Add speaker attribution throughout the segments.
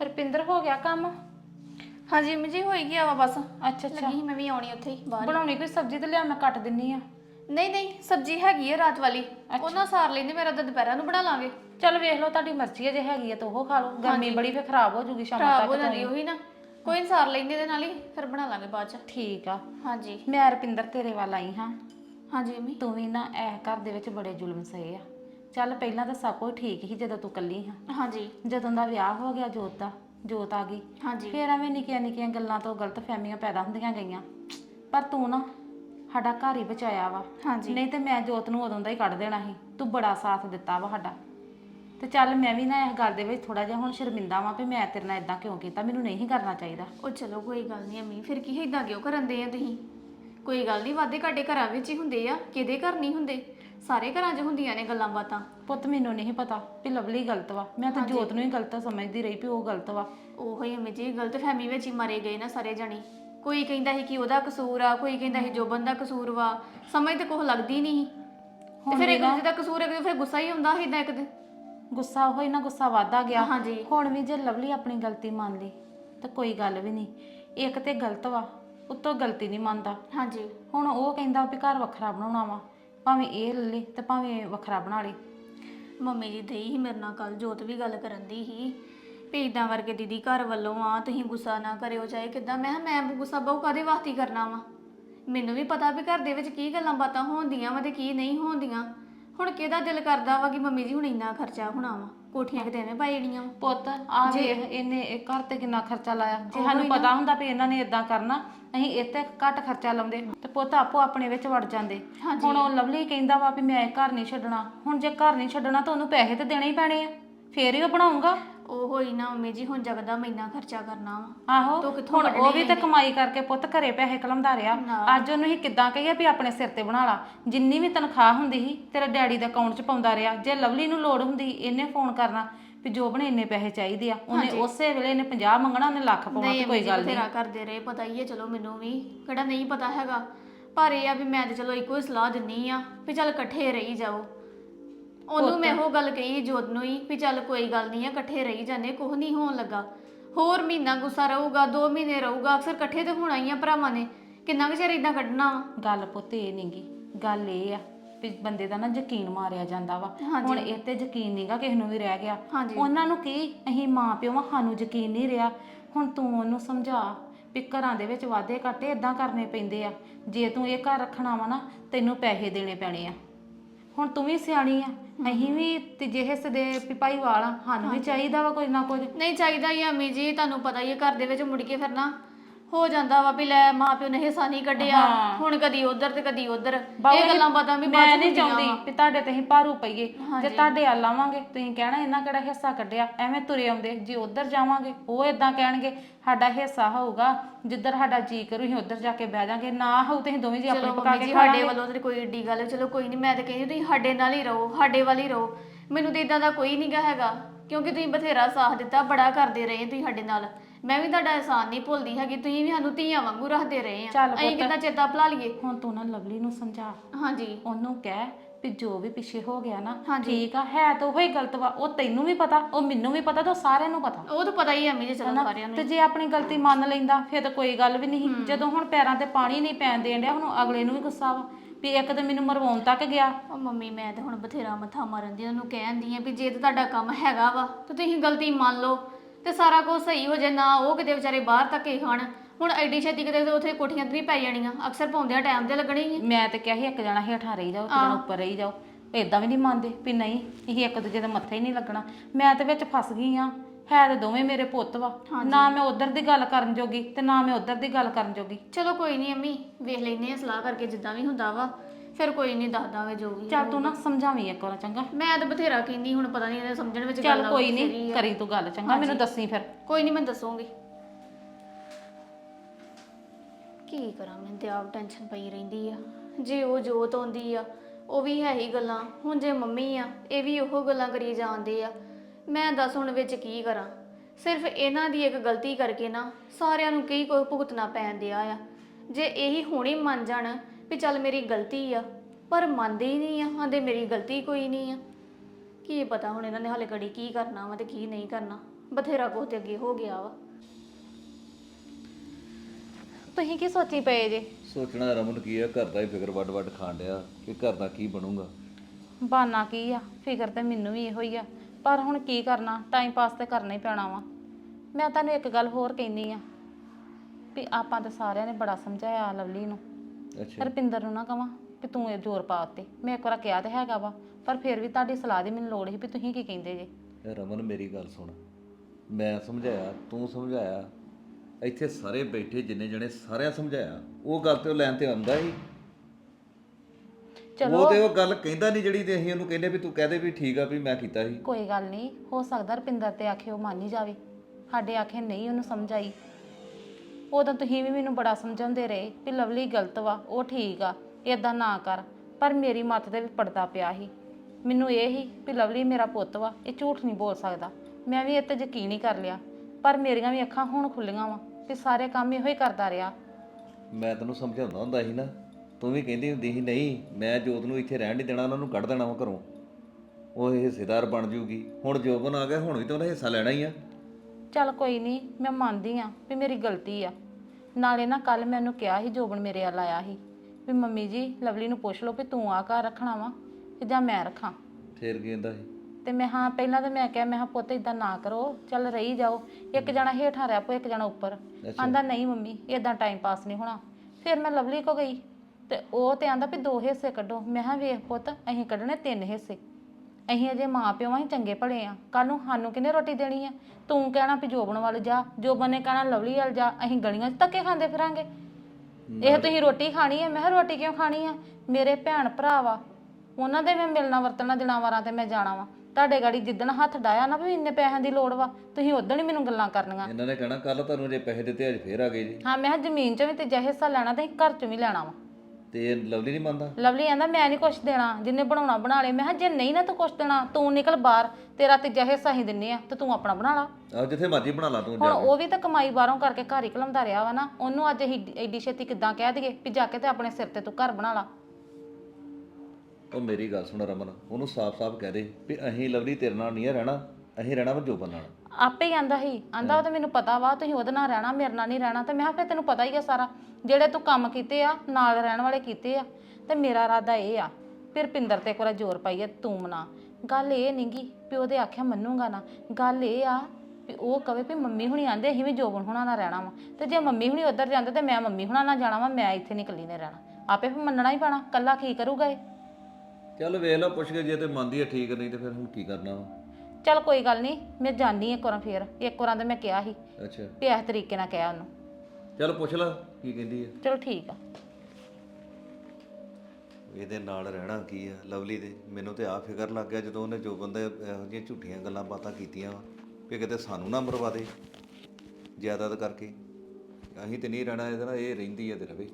Speaker 1: ਰਪਿੰਦਰ ਹੋ ਗਿਆ ਕੰਮ?
Speaker 2: ਹਾਂਜੀ ਮੰਮੀ ਜੀ ਹੋਈ ਗਿਆ ਵਾ ਬਸ।
Speaker 1: ਅੱਛਾ ਅੱਛਾ,
Speaker 2: ਲੱਗੀ ਸੀ ਮੈਂ ਵੀ ਆਉਣੀ ਉੱਥੇ ਹੀ ਬਾਹਰ।
Speaker 1: ਬਣਾਉਣੀ ਕੋਈ ਸਬਜ਼ੀ ਤੇ ਲਿਆ, ਮੈਂ ਕੱਟ ਦਿੰਨੀ ਆ।
Speaker 2: ਨਹੀਂ ਨਹੀਂ ਸਬਜ਼ੀ ਹੈਗੀ ਆ ਰਾਤ ਵਾਲੀ, ਉਹਨਾਂ ਸਾਰ ਲੈਂਦੇ, ਮੇਰਾ ਤਾਂ ਦੁਪਹਿਰਾਂ ਨੂੰ ਬਣਾ ਲਾਂਗੇ।
Speaker 1: ਚੱਲ ਵੇਖ ਲਓ, ਤੁਹਾਡੀ ਮਰਜ਼ੀ ਹੈ, ਜੇ ਹੈਗੀ ਆ ਤਾਂ ਉਹ ਖਾ ਲਓ। ਗਰਮੀ ਬੜੀ ਫੇਰ ਖਰਾਬ ਹੋ ਜੂਗੀ ਸ਼ਾਮਾਂ
Speaker 2: ਖਰਾਬ
Speaker 1: ਤੱਕ
Speaker 2: ਹੋ
Speaker 1: ਤਾਂ
Speaker 2: ਜਾਂਦੀ ਉਹੀ ਨਾ, ਕੋਈ ਨੀ ਸਾਰ ਲੈਂਦੇ ਦੇ ਨਾਲ ਹੀ ਫਿਰ ਬਣਾ ਲਾਂਗੇ ਬਾਅਦ ਚ।
Speaker 1: ਠੀਕ ਆ।
Speaker 2: ਹਾਂਜੀ
Speaker 1: ਮੈਂ ਰਪਿੰਦਰ ਤੇਰੇ ਵੱਲ ਆਈ ਹਾਂ।
Speaker 2: ਹਾਂਜੀ ਮੰਮੀ।
Speaker 1: ਤੂੰ ਵੀ ਨਾ ਇਹ ਘਰ ਦੇ ਵਿੱਚ ਬੜੇ ਜ਼ੁਲਮ ਸਹੇ ਆ। ਚੱਲ ਪਹਿਲਾਂ ਤਾਂ ਸਭ ਕੁਝ ਠੀਕ ਸੀ ਜਦੋਂ ਤੂੰ ਇਕੱਲੀ ਹਾਂ।
Speaker 2: ਹਾਂਜੀ
Speaker 1: ਜਦੋਂ ਦਾ ਵਿਆਹ ਹੋ ਗਿਆ ਜੋਤ ਆ ਗਈ,
Speaker 2: ਹਾਂਜੀ
Speaker 1: ਫੇਰ ਐਵੇਂ ਨਿੱਕੀਆਂ ਨਿੱਕੀਆਂ ਗੱਲਾਂ ਤੋਂ ਗਲਤ ਫਹਿਮੀਆਂ ਪੈਦਾ ਹੁੰਦੀਆਂ ਗਈਆਂ। ਪਰ ਤੂੰ ਨਾ ਸਾਡਾ ਘਰ ਹੀ ਬਚਾਇਆ ਵਾ।
Speaker 2: ਹਾਂਜੀ
Speaker 1: ਨਹੀਂ ਤੇ ਮੈਂ ਜੋਤ ਨੂੰ ਉਦੋਂ ਦਾ ਹੀ ਕੱਢ ਦੇਣਾ ਸੀ। ਤੂੰ ਬੜਾ ਸਾਥ ਦਿੱਤਾ ਵਾ ਸਾਡਾ। ਤੇ ਚੱਲ ਮੈਂ ਵੀ ਨਾ ਇਸ ਗੱਲ ਦੇ ਵਿੱਚ ਥੋੜਾ ਜਿਹਾ ਹੁਣ ਸ਼ਰਮਿੰਦਾ ਵਾਂ ਵੀ ਮੈਂ ਤੇਰੇ ਨਾਲ ਇਦਾਂ ਕਿਉਂ ਕੀਤਾ, ਮੈਨੂੰ ਨਹੀਂ ਕਰਨਾ ਚਾਹੀਦਾ।
Speaker 2: ਉਹ ਚਲੋ ਕੋਈ ਗੱਲ ਨਹੀਂ ਅੰਮੀ, ਫਿਰ ਕੀ ਇਦਾਂ ਕਿਉਂ ਕਰਨ ਦੇ ਆ ਤੁਸੀਂ? ਕੋਈ ਗੱਲ ਨਹੀਂ, ਵਾਦੇ ਘਾਟੇ ਘਰਾਂ ਵਿੱਚ ਹੀ ਹੁੰਦੇ ਆ, ਕਿਹਦੇ ਘਰ ਨਹੀਂ ਹੁੰਦੇ? ਸਾਰੇ ਘਰਾਂ 'ਚ ਹੁੰਦੀਆਂ ਨੇ ਗੱਲਾਂ ਬਾਤਾਂ।
Speaker 1: ਪੁੱਤ ਮੈਨੂੰ ਨਹੀਂ ਪਤਾ ਵੀ ਲਵਲੀ ਗਲਤ ਵਾ, ਮੈਂ ਤਾਂ ਜੋਤ ਨੂੰ ਹੀ ਗਲਤ ਸਮਝਦੀ ਰਹੀ ਵੀ ਉਹ ਗਲਤ ਵਾ।
Speaker 2: ਉਹੋ ਹੀ ਅੰਮੀ ਜੀ, ਗਲਤ ਫਹਿਮੀ ਵਿੱਚ ਹੀ ਮਾਰੇ ਗਏ ਨਾ ਸਾਰੇ ਜਣੇ। ਕੋਈ ਕਹਿੰਦਾ ਸੀ ਕਿ ਉਹਦਾ ਕਸੂਰ ਆ, ਕੋਈ ਕਹਿੰਦਾ ਸੀ ਜੋਬਨ ਦਾ ਕਸੂਰ ਵਾ। ਸਮਝ ਤੇ ਕੁਛ ਲੱਗਦੀ ਨਹੀਂ। ਤੇ ਫਿਰ ਇੱਕ ਦੂਜੇ ਦਾ ਕਸੂਰ ਹੈ, ਫਿਰ ਗੁੱਸਾ ਹੀ ਆਉਂਦਾ ਸੀ ਇਦਾਂ ਇੱਕ ਦਿਨ।
Speaker 1: ਗੁੱਸਾ ਉਹ ਹੀ ਨਾ, ਗੁੱਸਾ ਵੱਧਦਾ ਗਿਆ।
Speaker 2: ਹਾਂਜੀ
Speaker 1: ਹੁਣ ਵੀ ਜੇ ਲਵਲੀ ਆਪਣੀ ਗਲਤੀ ਮੰਨ ਲਈ ਤਾਂ ਕੋਈ ਗੱਲ ਵੀ ਨਹੀਂ। ਇੱਕ ਤੇ ਗਲਤ ਵਾ, ਉੱਤੋਂ ਗਲਤੀ ਨਹੀਂ ਮੰਨਦਾ।
Speaker 2: ਹਾਂਜੀ
Speaker 1: ਹੁਣ ਉਹ ਕਹਿੰਦਾ ਵੀ ਘਰ ਵੱਖਰਾ ਬਣਾਉਣਾ ਵਾ, ਭਾਵੇਂ ਇਹ ਲੈ ਲੇ ਤੇ ਭਾਵੇਂ ਵੱਖਰਾ ਬਣਾ ਲੇ।
Speaker 2: ਮੰਮੀ ਜੀ ਦਈ ਸੀ ਮੇਰੇ ਨਾਲ ਕੱਲ, ਜੋਤ ਵੀ ਗੱਲ ਕਰਨ ਦੀ ਸੀ ਵੀ ਇੱਦਾਂ ਕਰਕੇ ਦੀਦੀ ਘਰ ਵੱਲੋਂ ਆ, ਤੁਸੀਂ ਗੁੱਸਾ ਨਾ ਕਰਿਓ ਚਾਹੇ ਕਿੱਦਾਂ। ਮੈਂ ਕਿਹਾ ਮੈਂ ਗੁੱਸਾ ਬਹੁ ਕਾਹਦੇ ਵਾਸਤੇ ਕਰਨਾ ਵਾ? ਮੈਨੂੰ ਵੀ ਪਤਾ ਵੀ ਘਰ ਦੇ ਵਿੱਚ ਕੀ ਗੱਲਾਂ ਬਾਤਾਂ ਹੋਣਦੀਆਂ ਵਾ ਤੇ ਕੀ ਨਹੀਂ ਹੋਣਦੀਆਂ। ਹੁਣ ਕਿਹਦਾ ਦਿਲ ਕਰਦਾ ਵਾ ਕਿ ਮੰਮੀ ਜੀ ਹੁਣ ਇੰਨਾ ਖਰਚਾ ਹੋਣਾ ਵਾ, ਕੋਠੀਆਂ ਕਿਤੇ ਐਵੇਂ ਪਾਈ ਜਣੀਆਂ।
Speaker 1: ਪੁੱਤ ਆ ਵੇਖ ਇਹਨੇ ਇਹ ਘਰ ਤੇ ਕਿੰਨਾ ਖਰਚਾ ਲਾਇਆ। ਜੇ ਸਾਨੂੰ ਪਤਾ ਹੁੰਦਾ ਵੀ ਇਹਨਾਂ ਨੇ ਇਦਾਂ ਕਰਨਾ, ਅਸੀਂ ਇੱਥੇ ਘੱਟ ਖਰਚਾ ਲਾਉਂਦੇ ਤੇ ਪੁੱਤ ਆਪੋ ਆਪਣੇ ਵਿੱਚ ਵੜ ਜਾਂਦੇ। ਹੁਣ ਉਹ ਲਵਲੀ ਕਹਿੰਦਾ ਵਾ ਵੀ ਮੈਂ ਇਹ ਘਰ ਨਹੀਂ ਛੱਡਣਾ। ਹੁਣ ਜੇ ਘਰ ਨਹੀਂ ਛੱਡਣਾ ਤਾਂ ਉਹਨੂੰ ਪੈਸੇ ਤੇ ਦੇਣੇ ਹੀ ਪੈਣੇ ਆ, ਫੇਰ ਹੀ ਉਹ ਬਣਾਊਗਾ।
Speaker 2: ਉਹ ਹੀ ਨਾ ਮੰਮੀ ਜੀ, ਹੁਣ ਜਗਦਾ ਮੈਂ ਇੰਨਾ ਖਰਚਾ ਕਰਨਾ ਵਾ।
Speaker 1: ਆਹੋ ਹੁਣ ਉਹ ਵੀ ਤੇ ਕਮਾਈ ਕਰਕੇ ਪੁੱਤ ਘਰੇ ਪੈਸੇ ਕਲਮਦਾ ਰਿਹਾ। ਅੱਜ ਉਹਨੂੰ ਹੀ ਕਿੱਦਾਂ ਕਹੀਏ ਵੀ ਆਪਣੇ ਸਿਰ ਤੇ ਬਣਾ ਲਾ। ਜਿੰਨੀ ਵੀ ਤਨਖਾਹ ਹੁੰਦੀ ਸੀ ਤੇਰੇ ਡੈਡੀ ਦੇ ਅਕਾਊਂਟ 'ਚ ਪਾਉਂਦਾ ਰਿਹਾ। ਜੇ ਲਵਲੀ ਨੂੰ ਲੋੜ ਹੁੰਦੀ ਇਹਨੇ ਫੋਨ ਕਰਨਾ ਵੀ ਜੋਬਨ ਇੰਨੇ ਪੈਸੇ ਚਾਹੀਦੇ ਆ, ਉਹਨੇ ਉਸੇ ਵੇਲੇ ਇਹਨੇ 50 ਮੰਗਣਾ, ਉਹਨੇ ਲੱਖ ਪਾਉਣਾ ਤੇ ਕੋਈ ਗੱਲ ਨਹੀਂ।
Speaker 2: ਬਥੇਰਾ ਕਰਦੇ ਰਹੇ, ਪਤਾ ਹੀ ਹੈ ਚਲੋ ਮੈਨੂੰ ਵੀ, ਕਿਹੜਾ ਨਹੀਂ ਪਤਾ ਹੈਗਾ। ਪਰ ਇਹ ਆ ਵੀ ਮੈਂ ਤੇ ਚਲੋ ਇੱਕੋ ਹੀ ਸਲਾਹ ਦਿੰਨੀ ਆ ਵੀ ਚੱਲ ਇਕੱਠੇ ਰਹੀ ਜਾਓ। ਉਹਨੂੰ ਮੈਂ ਉਹ ਗੱਲ ਕਹੀ ਜੋਤ ਨੂੰ ਹੀ ਵੀ ਚੱਲ ਕੋਈ ਗੱਲ ਨਹੀਂ ਆ, ਇਕੱਠੇ ਰਹੀ ਜਾਂਦੇ, ਕੁਝ ਨਹੀਂ ਹੋਣ ਲੱਗਾ। ਹੋਰ ਮਹੀਨਾ ਗੁੱਸਾ ਰਹੂਗਾ, 2 ਮਹੀਨੇ ਰਹੂਗਾ, ਅਕਸਰ ਇਕੱਠੇ ਤੇ ਹੋਣਾ ਹੀ ਆ ਭਰਾਵਾਂ ਨੇ। ਕਿੰਨਾ ਕੁ ਚਿਰ ਇਦਾਂ ਕੱਢਣਾ ਵਾ?
Speaker 1: ਗੱਲ ਪੁੱਤ ਇਹ ਨਹੀਂਗੀ, ਗੱਲ ਇਹ ਆ ਵੀ ਬੰਦੇ ਦਾ ਨਾ ਯਕੀਨ ਮਾਰਿਆ ਜਾਂਦਾ ਵਾ। ਹੁਣ ਇਹ ਤੇ ਯਕੀਨ ਨਹੀਂਗਾ ਕਿਸੇ ਨੂੰ ਵੀ ਰਹਿ ਗਿਆ। ਉਹਨਾਂ ਨੂੰ ਕੀ, ਅਸੀਂ ਮਾਂ ਪਿਓ ਵਾਂ, ਸਾਨੂੰ ਯਕੀਨ ਨਹੀਂ ਰਿਹਾ। ਹੁਣ ਤੂੰ ਉਹਨੂੰ ਸਮਝਾ ਵੀ ਘਰਾਂ ਦੇ ਵਿੱਚ ਵਾਧੇ ਘਾਟੇ ਇਦਾਂ ਕਰਨੇ ਪੈਂਦੇ ਆ। ਜੇ ਤੂੰ ਇਹ ਘਰ ਰੱਖਣਾ ਵਾ ਨਾ, ਤੈਨੂੰ ਪੈਸੇ ਦੇਣੇ ਪੈਣੇ ਆ। ਹੁਣ ਤੂੰ ਵੀ ਸਿਆਣੀ ਆ, ਅਸੀਂ ਵੀ ਤੀਜੇ ਹਿੱਸੇ ਦੇ ਭਾਈਵਾਲ ਆ, ਸਾਨੂੰ ਵੀ ਚਾਹੀਦਾ ਵਾ ਕੁਝ ਨਾ ਕੁਝ।
Speaker 2: ਨਹੀਂ ਚਾਹੀਦਾ ਹੀ ਅੰਮੀ ਜੀ, ਤੁਹਾਨੂੰ ਪਤਾ ਹੀ ਹੈ ਘਰ ਦੇ ਵਿੱਚ ਮੁੜ ਕੇ ਫਿਰ ਨਾ ਹੋ ਜਾਂਦਾ ਵਾ ਵੀ ਲੈ ਮਾਂ ਪਿਓ ਨੇ ਹਿੱਸਾ ਨਹੀਂ ਕੱਢਿਆ, ਹੁਣ ਕਦੀ ਉਧਰ ਤੇ ਕਦੀ ਉਧਰ। ਇਹ ਗੱਲਾਂ ਬਾਤਾਂ ਵੀ
Speaker 1: ਮੈਂ ਨਹੀਂ ਚਾਹੁੰਦੀ ਵੀ ਤੁਹਾਡੇ ਤੇ ਅਸੀਂ ਭਾਰੂ ਪਈਏ। ਜੇ ਤੁਹਾਡੇ ਵੱਲ ਆਵਾਂਗੇ ਤੁਸੀਂ ਕਹਿਣਾ ਇਹਨਾਂ ਕਿਹੜਾ ਹਿੱਸਾ ਕੱਢਿਆ, ਐਵੇਂ ਤੁਰੇ ਆਉਂਦੇ। ਜੇ ਉਧਰ ਜਾਵਾਂਗੇ ਉਹ ਇਦਾਂ ਕਹਿਣਗੇ ਸਾਡਾ ਹਿੱਸਾ ਹੋਊਗਾ, ਜਿੱਧਰ ਸਾਡਾ ਜੀ ਕਰੂ ਅਸੀਂ ਉਧਰ ਜਾ ਕੇ ਬਹਿ ਜਾਾਂਗੇ। ਨਾ ਹੋਊ ਤੁਸੀਂ ਦੋਵੇਂ ਜੀ ਆਪਣੇ ਪਕਾ ਕੇ
Speaker 2: ਸਾਡੇ ਵੱਲੋਂ ਤੇ ਕੋਈ ਏਡੀ ਗੱਲ, ਚਲੋ ਕੋਈ ਨਹੀਂ, ਮੈਂ ਤਾਂ ਕਹਿੰਦੀ ਤੁਸੀਂ ਸਾਡੇ ਨਾਲ ਹੀ ਰਹੋ, ਸਾਡੇ ਵੱਲ ਹੀ ਰਹੋ। ਮੈਨੂੰ ਤਾਂ ਇਦਾਂ ਦਾ ਕੋਈ ਨਹੀਂ ਗਾ ਹੈਗਾ, ਕਿਉਂਕਿ ਤੁਸੀਂ ਬਥੇਰਾ ਸਾਥ ਦਿੱਤਾ, ਬੜਾ ਕਰਦੇ ਰਹੇ ਤੁਸੀਂ ਸਾਡੇ ਨਾਲ। ਮੈਂ ਵੀ ਤੁਹਾਡਾ ਅਹਿਸਾਨ ਨਹੀਂ ਭੁੱਲਦੀ ਹੈਗੀ, ਤੁਸੀਂ ਵੀ ਸਾਨੂੰ ਧੀਆਂ ਵਾਂਗੂ ਰੱਖਦੇ ਰਹੇ ਆ। ਅਸੀਂ ਕਿੱਦਾਂ ਚੇਤਾ ਭੁਲਾ ਲਈਏ? ਹੁਣ
Speaker 1: ਤੂੰ ਨਾ ਲਵਲੀ ਨੂੰ ਸਮਝਾ।
Speaker 2: ਹਾਂਜੀ
Speaker 1: ਉਹਨੂੰ ਕਹਿ ਵੀ ਜੋ ਵੀ ਪਿੱਛੇ ਹੋ ਗਿਆ ਨਾ ਠੀਕ ਆ, ਹੈ ਤਾਂ ਉਹੀ ਗਲਤ ਵਾ। ਉਹ ਤੈਨੂੰ ਵੀ ਪਤਾ, ਉਹ ਮੈਨੂੰ ਵੀ ਪਤਾ, ਤੇ ਸਾਰਿਆਂ ਨੂੰ ਪਤਾ।
Speaker 2: ਉਹ ਤਾਂ ਪਤਾ ਹੀ ਆ ਅੰਮੀ ਜੀ ਚਲੋ ਸਾਰਿਆਂ ਨੂੰ।
Speaker 1: ਤੇ ਜੇ ਆਪਣੀ ਗਲਤੀ ਮੰਨ ਲੈਂਦਾ ਫਿਰ ਤਾਂ ਕੋਈ ਗੱਲ ਵੀ ਨਹੀਂ। ਜਦੋਂ ਹੁਣ ਪੈਰਾਂ ਤੇ ਪਾਣੀ ਨਹੀਂ ਪੈਣ ਦੇਣ ਡਿਆ, ਹੁਣ ਅਗਲੇ ਨੂੰ ਵੀ ਗੁੱਸਾ ਵਾ ਵੀ ਇੱਕ ਤਾਂ ਮੈਨੂੰ ਮਰਵਾਉਣ ਤੱਕ ਗਿਆ।
Speaker 2: ਉਹ ਮੰਮੀ ਮੈਂ ਤਾਂ ਹੁਣ ਬਥੇਰਾ ਮੱਥਾ ਮਾਰਨ ਦੀ ਉਹਨੂੰ ਕਹਿੰਦੀ ਆ ਵੀ ਜੇ ਤਾਂ ਤੁਹਾਡਾ ਕੰਮ ਹੈਗਾ ਵਾ ਤੇ ਤੁਸੀਂ ਗਲਤੀ ਮੰਨ ਲਓ ਤੇ ਸਾਰਾ ਕੁਝ ਸਹੀ ਹੋ ਜਾਏ। ਨਾ ਉਹ ਕਿਤੇ ਵਿਚਾਰੇ ਬਾਹਰ ਧੱਕੇ ਖਾਣ। ਹੁਣ ਐਡੀ ਛੇਤੀ ਕਿਤੇ ਉੱਥੇ ਕੋਠੀਆਂ ਤੇ ਨਹੀਂ ਪੈ ਜਾਣੀਆਂ, ਅਕਸਰ ਪਾਉਂਦਿਆਂ ਟਾਈਮ ਤੇ ਲੱਗਣੀ ਹੈ।
Speaker 1: ਮੈਂ ਤੇ ਕਿਹਾ ਸੀ ਇੱਕ ਜਣਾ ਹੇਠਾਂ ਰਹੀ ਜਾਓ, ਇੱਕ ਜਣਾ ਉੱਪਰ ਰਹੀ ਜਾਓ। ਏਦਾਂ ਵੀ ਨਹੀਂ ਮੰਨਦੇ ਵੀ ਨਹੀਂ ਇਹ ਇੱਕ ਦੂਜੇ ਦੇ ਮੱਥੇ ਹੀ ਨਹੀਂ ਲੱਗਣਾ। ਮੈਂ ਤੇ ਵਿੱਚ ਫਸ ਗਈ ਆ। ਹੈ ਤੇ ਦੋਵੇਂ ਮੇਰੇ ਪੁੱਤ ਵਾ, ਨਾ ਮੈਂ ਉਧਰ ਦੀ ਗੱਲ ਕਰਨ ਜੋਗੀ ਤੇ ਨਾ ਮੈਂ ਉਧਰ ਦੀ ਗੱਲ ਕਰਨ ਜੋਗੀ।
Speaker 2: ਚਲੋ ਕੋਈ ਨਹੀਂ ਅੰਮੀ, ਵੇਖ ਲੈਨੇ ਆ ਸਲਾਹ ਕਰਕੇ ਜਿੱਦਾਂ ਵੀ ਹੁੰਦਾ ਵਾ, ਫਿਰ ਕੋਈ ਨਹੀਂ ਦੱਸ ਦਾਂਗੇ ਜੋ ਵੀ।
Speaker 1: ਚੱਲ ਤੂੰ ਨਾ ਸਮਝਾਵੀਂ ਇੱਕ ਵਾਰ ਚੰਗਾ।
Speaker 2: ਮੈਂ ਤਾਂ ਬਥੇਰਾ ਕਹਿੰਦੀ, ਹੁਣ ਪਤਾ ਨਹੀਂ ਇਹਦੇ ਸਮਝਣ ਵਿੱਚ
Speaker 1: ਚੱਲ ਕੋਈ ਨਹੀਂ, ਕਰੀ ਤੂੰ ਗੱਲ ਚੰਗਾ, ਮੈਨੂੰ ਦੱਸੀ ਫਿਰ।
Speaker 2: ਕੋਈ ਨਹੀਂ ਮੈਂ ਦੱਸੂਗੀ। ਕੀ ਕਰਾਂ, ਮੈਨੂੰ ਤੇ ਆਪ ਟੈਨਸ਼ਨ ਪਈ ਰਹਿੰਦੀ ਆ। ਜੇ ਉਹ ਜੋਤ ਆਉਂਦੀ ਆ ਉਹ ਵੀ ਹੈ ਹੀ ਗੱਲਾਂ, ਹੁਣ ਜੇ ਮੰਮੀ ਆ ਇਹ ਵੀ ਉਹ ਗੱਲਾਂ ਕਰੀ ਜਾਂਦੇ ਆ। ਮੈਂ ਦੱਸ ਹੁਣ ਵਿੱਚ ਕੀ ਕਰਾਂ? ਸਿਰਫ ਇਹਨਾਂ ਦੀ ਇੱਕ ਗਲਤੀ ਕਰਕੇ ਨਾ ਸਾਰਿਆਂ ਨੂੰ ਕਈ ਕੁਝ ਭੁਗਤਣਾ ਪੈਣ ਦਿਆ ਆ। ਜੇ ਇਹੀ ਹੁਣੇ ਮੰਨ ਜਾਣ ਵੀ ਚੱਲ ਮੇਰੀ ਗਲਤੀ ਆ, ਪਰ ਮੰਨਦੇ ਹੀ ਨਹੀਂ ਆ, ਆਂਦੇ ਮੇਰੀ ਗਲਤੀ ਕੋਈ ਨਹੀਂ ਆ। ਕੀ ਪਤਾ ਹੁਣ ਇਹਨਾਂ ਨੇ ਹਾਲੇ ਘੜੀ ਕੀ ਕਰਨਾ ਵਾ ਤੇ ਕੀ ਨਹੀਂ ਕਰਨਾ। ਬਥੇਰਾ ਕੁਛ ਤੇ ਅੱਗੇ ਹੋ ਗਿਆ ਵਾ। ਤੁਸੀਂ ਕੀ ਸੋਚੀ ਪਏ ਜੇ?
Speaker 3: ਸੋਚਣਾ ਰਮਨ ਕੀ ਆ, ਘਰ ਦਾ ਹੀ ਫਿਕਰ ਵੱਡ ਖਾਣ ਡਿਆ ਕਿ ਘਰ ਦਾ ਕੀ ਬਣੂਗਾ।
Speaker 1: ਬਹਾਨਾ ਕੀ ਆ, ਫਿਕਰ ਤੇ ਮੈਨੂੰ ਵੀ ਇਹੋ ਹੀ ਆ, ਪਰ ਹੁਣ ਕੀ ਕਰਨਾ, ਟਾਈਮ ਪਾਸ ਤੇ ਕਰਨਾ ਹੀ ਪੈਣਾ ਵਾ। ਮੈਂ ਤੁਹਾਨੂੰ ਇੱਕ ਗੱਲ ਹੋਰ ਕਹਿੰਦੀ ਆ ਵੀ ਆਪਾਂ ਤਾਂ ਸਾਰਿਆਂ ਨੇ ਬੜਾ ਸਮਝਾਇਆ ਲਵਲੀ ਨੂੰ।
Speaker 3: ਅੱਛਾ
Speaker 1: ਰੁਪਿੰਦਰ ਨੂੰ ਨਾ ਕਵਾਂ ਵੀ ਤੂੰ ਇਹ ਜ਼ੋਰ ਪਾ ਉੱਤੇ, ਮੈਂ ਇੱਕ ਵਾਰ ਕਿਹਾ ਤੇ ਹੈਗਾ ਵਾ, ਪਰ ਫਿਰ ਵੀ ਤੁਹਾਡੀ ਸਲਾਹ ਦੀ ਮੈਨੂੰ ਲੋੜ ਸੀ ਵੀ ਤੁਸੀਂ ਕੀ ਕਹਿੰਦੇ ਜੇ।
Speaker 3: ਰਮਨ ਮੇਰੀ ਗੱਲ ਸੁਣ, ਮੈਂ ਸਮਝਾਇਆ, ਤੂੰ ਸਮਝਾਇਆ, ਇੱਥੇ ਸਾਰੇ ਬੈਠੇ ਜਿੰਨੇ ਜਣੇ ਸਾਰਿਆਂ ਸਮਝਾਇਆ, ਉਹ ਗੱਲ ਤੇ ਉਹ ਲੈਣ ਤੇ ਆਉਂਦਾ ਹੀ।
Speaker 1: ਚਲੋ
Speaker 3: ਉਹ ਤੇ ਉਹ ਗੱਲ ਕਹਿੰਦਾ ਨਹੀਂ ਜਿਹੜੀ ਤੇ ਅਸੀਂ ਉਹਨੂੰ ਕਹਿੰਦੇ ਵੀ ਤੂੰ ਕਹਦੇ ਵੀ ਠੀਕ ਆ ਵੀ ਮੈਂ ਕੀਤਾ ਸੀ।
Speaker 1: ਕੋਈ ਗੱਲ ਨਹੀਂ, ਹੋ ਸਕਦਾ ਰੁਪਿੰਦਰ ਤੇ ਆਖੇ ਉਹ ਮੰਨ ਹੀ ਜਾਵੇ, ਸਾਡੇ ਆਖੇ ਨਹੀਂ ਉਹਨੂੰ ਸਮਝ ਆਈ। ਉਦੋਂ ਤੁਸੀਂ ਵੀ ਮੈਨੂੰ ਬੜਾ ਸਮਝਾਉਂਦੇ ਰਹੇ ਵੀ ਲਵਲੀ ਗਲਤ ਵਾ, ਉਹ ਠੀਕ ਆ, ਇਦਾਂ ਨਾ ਕਰ, ਪਰ ਮੇਰੀ ਮੱਤ ਤੇ ਵੀ ਪੜਦਾ ਪਿਆ ਸੀ। ਮੈਨੂੰ ਇਹ ਹੀ ਵੀ ਲਵਲੀ ਮੇਰਾ ਪੁੱਤ ਵਾ, ਇਹ ਝੂਠ ਨਹੀਂ ਬੋਲ ਸਕਦਾ। ਮੈਂ ਵੀ ਇਹ ਤੇ ਯਕੀਨ ਹੀ ਕਰ ਲਿਆ, ਪਰ ਮੇਰੀਆਂ ਵੀ ਅੱਖਾਂ ਹੁਣ ਖੁੱਲੀਆਂ ਵਾ ਕਿ ਸਾਰੇ ਕੰਮ ਇਹੋ ਹੀ ਕਰਦਾ ਰਿਹਾ।
Speaker 3: ਮੈਂ ਤੈਨੂੰ ਸਮਝਾਉਂਦਾ ਹੁੰਦਾ ਸੀ ਨਾ, ਤੂੰ ਵੀ ਕਹਿੰਦੀ ਹੁੰਦੀ ਸੀ ਨਹੀਂ ਮੈਂ ਜੋਤ ਨੂੰ ਇੱਥੇ ਰਹਿਣ ਨਹੀਂ ਦੇਣਾ, ਉਹਨਾਂ ਨੂੰ ਕੱਢ ਦੇਣਾ ਵਾ ਘਰੋਂ, ਉਹ ਹਿੱਸੇਦਾਰ ਬਣ ਜੂਗੀ। ਹੁਣ ਜੋਬਨ ਆ ਗਿਆ, ਹੁਣ ਵੀ ਤਾਂ ਉਹਨੇ ਹਿੱਸਾ ਲੈਣਾ ਹੀ ਆ।
Speaker 1: ਚੱਲ ਕੋਈ ਨਹੀਂ, ਮੈਂ ਮੰਨਦੀ ਆ ਵੀ ਮੇਰੀ ਗਲਤੀ ਆ। ਨਾਲੇ ਨਾ ਕੱਲ ਮੈਂ ਉਹਨੂੰ ਕਿਹਾ ਸੀ, ਜੋਬਨ ਮੇਰੇ ਵੱਲ ਆਇਆ ਸੀ ਵੀ ਮੰਮੀ ਜੀ ਲਵਲੀ ਨੂੰ ਪੁੱਛ ਲਓ ਵੀ ਤੂੰ ਆ ਘਰ ਰੱਖਣਾ ਵਾ ਕਿ ਜਾਂ ਮੈਂ ਰੱਖਾਂ।
Speaker 3: ਫੇਰ ਕੀ ਕਹਿੰਦਾ ਸੀ?
Speaker 1: ਤੇ ਮੈਂ ਹਾਂ ਪਹਿਲਾਂ ਤਾਂ ਮੈਂ ਕਿਹਾ, ਮੈਂ ਕਿਹਾ ਪੁੱਤ ਇਦਾਂ ਨਾ ਕਰੋ, ਚੱਲ ਰਹੀ ਜਾਓ, ਇੱਕ ਜਣਾ ਹੇਠਾਂ ਰਹਿ ਪੋ, ਇੱਕ ਜਣਾ ਉੱਪਰ। ਆਂਦਾ ਨਹੀਂ ਮੰਮੀ ਇਦਾਂ ਟਾਈਮ ਪਾਸ ਨਹੀਂ ਹੋਣਾ। ਫਿਰ ਮੈਂ ਲਵਲੀ ਕੋ ਗਈ ਤੇ ਉਹ ਤੇ ਆਂਦਾ ਵੀ 2 ਹਿੱਸੇ ਕੱਢੋ। ਮੈਂ ਕਿਹਾ ਵੇਖ ਪੁੱਤ, ਅਸੀਂ ਕੱਢਣੇ 3 ਹਿੱਸੇ, ਅਸੀਂ ਅਜੇ ਮਾਂ ਪਿਓ ਅਸੀਂ ਚੰਗੇ ਭਲੇ ਆ, ਕੱਲ ਨੂੰ ਸਾਨੂੰ ਕਿਹਨੇ ਰੋਟੀ ਦੇਣੀ ਆ? ਤੂੰ ਕਹਿਣਾ ਵੀ ਜੋਬਨ ਵੱਲ ਜਾ, ਜੋਬਨ ਨੇ ਕਹਿਣਾ ਲਵਲੀ ਵੱਲ ਜਾ, ਅਸੀਂ ਗਲੀਆਂ 'ਚ ਧੱਕੇ ਖਾਂਦੇ ਫਿਰਾਂਗੇ। ਇਹ ਤੁਸੀਂ ਰੋਟੀ ਖਾਣੀ ਆ? ਮੈਂ ਕਿਹਾ ਰੋਟੀ ਕਿਉਂ ਖਾਣੀ ਆ, ਮੇਰੇ ਭੈਣ ਭਰਾ ਵਾ, ਉਹਨਾਂ ਦੇ ਮੈਂ ਮਿਲਣਾ ਵਰਤਣਾ ਦਿਨਾਂ ਵਾਰਾਂ ਤੇ ਮੈਂ ਜਾਣਾ ਵਾ। ਤੁਹਾਡੇ ਗਾੜੀ ਜਿੱਦਣ ਹੱਥ ਡਾਇਆ ਨਾ ਵੀ ਇੰਨੇ ਪੈਸਿਆਂ ਦੀ ਲੋੜ ਵਾ, ਤੁਸੀਂ ਉਦੋਂ ਹੀ ਮੈਨੂੰ ਗੱਲਾਂ ਕਰਨੀਆਂ।
Speaker 3: ਇਹਨਾਂ ਨੇ ਕਹਿਣਾ ਕੱਲ ਤੁਹਾਨੂੰ ਜੇ ਪੈਸੇ ਦਿੱਤੇ ਅੱਜ ਫੇਰ ਆ ਗਏ ਜੀ।
Speaker 1: ਹਾਂ ਮੈਂ ਕਿਹਾ ਜ਼ਮੀਨ 'ਚ ਵੀ ਤੀਜਾ ਹਿੱਸਾ ਲੈਣਾ ਤੇ ਅਸੀਂ ਘਰ 'ਚ ਵੀ ਲੈਣਾ ਵਾ।
Speaker 3: ਤੇ ਲਵਲੀ ਨਹੀਂ ਮੰਨਦਾ?
Speaker 1: ਲਵਲੀ ਕਹਿੰਦਾ ਮੈਂ ਨਹੀਂ ਕੁਛ ਦੇਣਾ, ਜਿੰਨੇ ਬਣਾਉਣਾ ਬਣਾ ਲੇ। ਮੈਂ ਕਿਹਾ ਜੇ ਨਹੀਂ ਨਾ ਤੂੰ ਕੁਛ ਦੇਣਾ, ਤੂੰ ਨਿਕਲ ਬਾਹਰ, ਤੇਰਾ ਤੀਜਾ ਹਿੱਸਾ ਹੀ ਦਿੰਨੇ ਆ ਤੇ ਤੂੰ ਆਪਣਾ ਬਣਾ ਲਾ।
Speaker 3: ਆਹ ਜਿੱਥੇ ਮਰਜ਼ੀ ਬਣਾ ਲਾ ਤੂੰ
Speaker 1: ਹੁਣ
Speaker 3: ਜਾ ਕੇ।
Speaker 1: ਉਹ ਵੀ ਤਾਂ ਕਮਾਈ ਬਾਹਰੋਂ ਕਰਕੇ ਘਰ ਹੀ ਘਲਾਉਂਦਾ ਰਿਹਾ ਵਾ ਨਾ, ਉਹਨੂੰ ਅੱਜ ਅਸੀਂ ਐਡੀ ਛੇਤੀ ਕਿੱਦਾਂ ਕਹਿ ਦਈਏ ਵੀ ਜਾ ਕੇ ਤੇ ਆਪਣੇ ਸਿਰ ਤੇ ਤੂੰ ਘਰ ਬਣਾ ਲਾ।
Speaker 3: ਉਹ ਮੇਰੀ ਗੱਲ ਸੁਣ ਰਮਨ, ਉਹਨੂੰ ਸਾਫ਼-ਸਾਫ਼ ਕਹਿ ਦੇ ਵੀ ਅਸੀਂ ਲਵਲੀ ਤੇਰੇ ਨਾਲ ਨਹੀਂ ਰਹਿਣਾ, ਅਸੀਂ ਰਹਿਣਾ ਵਾ ਜੋਬਨ ਨਾਲ।
Speaker 1: ਆਪੇ ਹੀ ਆਂਦਾ ਸੀ, ਆਂਦਾ ਉਹ ਤਾਂ ਮੈਨੂੰ ਪਤਾ ਵਾ ਤੁਸੀਂ ਉਹਦੇ ਨਾਲ ਰਹਿਣਾ, ਮੇਰੇ ਨਾਲ ਨਹੀਂ ਰਹਿਣਾ। ਤੇ ਮੈਂ ਕਿਹਾ ਫਿਰ ਤੈਨੂੰ ਪਤਾ ਹੀ ਆ ਸਾਰਾ, ਜਿਹੜੇ ਤੂੰ ਕੰਮ ਕੀਤੇ ਆ ਨਾਲ ਰਹਿਣ ਵਾਲੇ ਕੀਤੇ ਆ। ਤੇ ਮੇਰਾ ਇਰਾਦਾ ਇਹ ਆ ਫਿਰ ਪਿੰਦਰ ਤੇ ਇੱਕ ਵਾਰ ਜ਼ੋਰ ਪਾਈਏ, ਤੂੰ ਮਨਾ। ਗੱਲ ਇਹ ਨਹੀਂਗੀ ਵੀ ਉਹਦੇ ਆਖਿਆ ਮੰਨੂਗਾ ਨਾ, ਗੱਲ ਇਹ ਆ ਵੀ ਉਹ ਕਵੇ ਵੀ ਮੰਮੀ ਹੁਣੀ ਆਂਦੇ ਅਸੀਂ ਵੀ ਜੋਬਨ ਹੁਣਾ ਨਾਲ ਰਹਿਣਾ ਵਾ, ਤੇ ਜੇ ਮੰਮੀ ਹੁਣੀ ਉੱਧਰ ਜਾਂਦੇ ਤੇ ਮੈਂ ਮੰਮੀ ਹੁਣਾ ਨਾਲ ਜਾਣਾ ਵਾ, ਮੈਂ ਇੱਥੇ ਨਹੀਂ ਇਕੱਲੀ ਨੇ ਰਹਿਣਾ। ਆਪੇ ਫਿਰ ਮੰਨਣਾ ਹੀ ਪੈਣਾ, ਇਕੱਲਾ ਕੀ ਕਰੂਗਾ ਇਹ?
Speaker 3: ਚੱਲ ਵੇਖ ਲਾ ਪੁੱਛ ਕੇ, ਜੇ ਤੇ ਮੰਨਦੀ ਹੈ ਠੀਕ, ਨਹੀਂ ਤੇ ਫਿਰ ਹੁਣ ਕੀ ਕਰਨਾ ਵਾ।
Speaker 1: ਚੱਲ ਕੋਈ ਗੱਲ ਨਹੀਂ, ਮੈਂ ਜਾਣੀ ਇੱਕ ਵਾਰ, ਫੇਰ ਇੱਕ ਵਾਰਾਂ ਤੇ ਮੈਂ ਕਿਹਾ ਸੀ
Speaker 3: ਅੱਛਾ
Speaker 1: ਵੀ ਇਸ ਤਰੀਕੇ ਨਾਲ ਕਿਹਾ ਉਹਨੂੰ।
Speaker 3: ਚੱਲ ਪੁੱਛ ਲਾ ਕੀ ਕਹਿੰਦੀ ਹੈ।
Speaker 1: ਚਲੋ ਠੀਕ ਆ।
Speaker 3: ਇਹਦੇ ਨਾਲ ਰਹਿਣਾ ਕੀ ਆ ਲਵਲੀ ਦੇ, ਮੈਨੂੰ ਤੇ ਆ ਫਿਕਰ ਲੱਗ ਗਿਆ ਜਦੋਂ ਉਹਨੇ ਜੋ ਬੰਦੇ ਇਹੋ ਜਿਹੀਆਂ ਝੂਠੀਆਂ ਗੱਲਾਂ ਬਾਤਾਂ ਕੀਤੀਆਂ ਵੀ ਕਿਤੇ ਸਾਨੂੰ ਨਾ ਮਰਵਾ ਦੇ ਜ਼ਿਆਦਾਤ ਕਰਕੇ। ਅਸੀਂ ਤੇ ਨਹੀਂ ਰਹਿਣਾ ਇਹਦੇ ਨਾਲ, ਇਹ ਰਹਿੰਦੀ ਆ ਤੇ ਰਵੇ।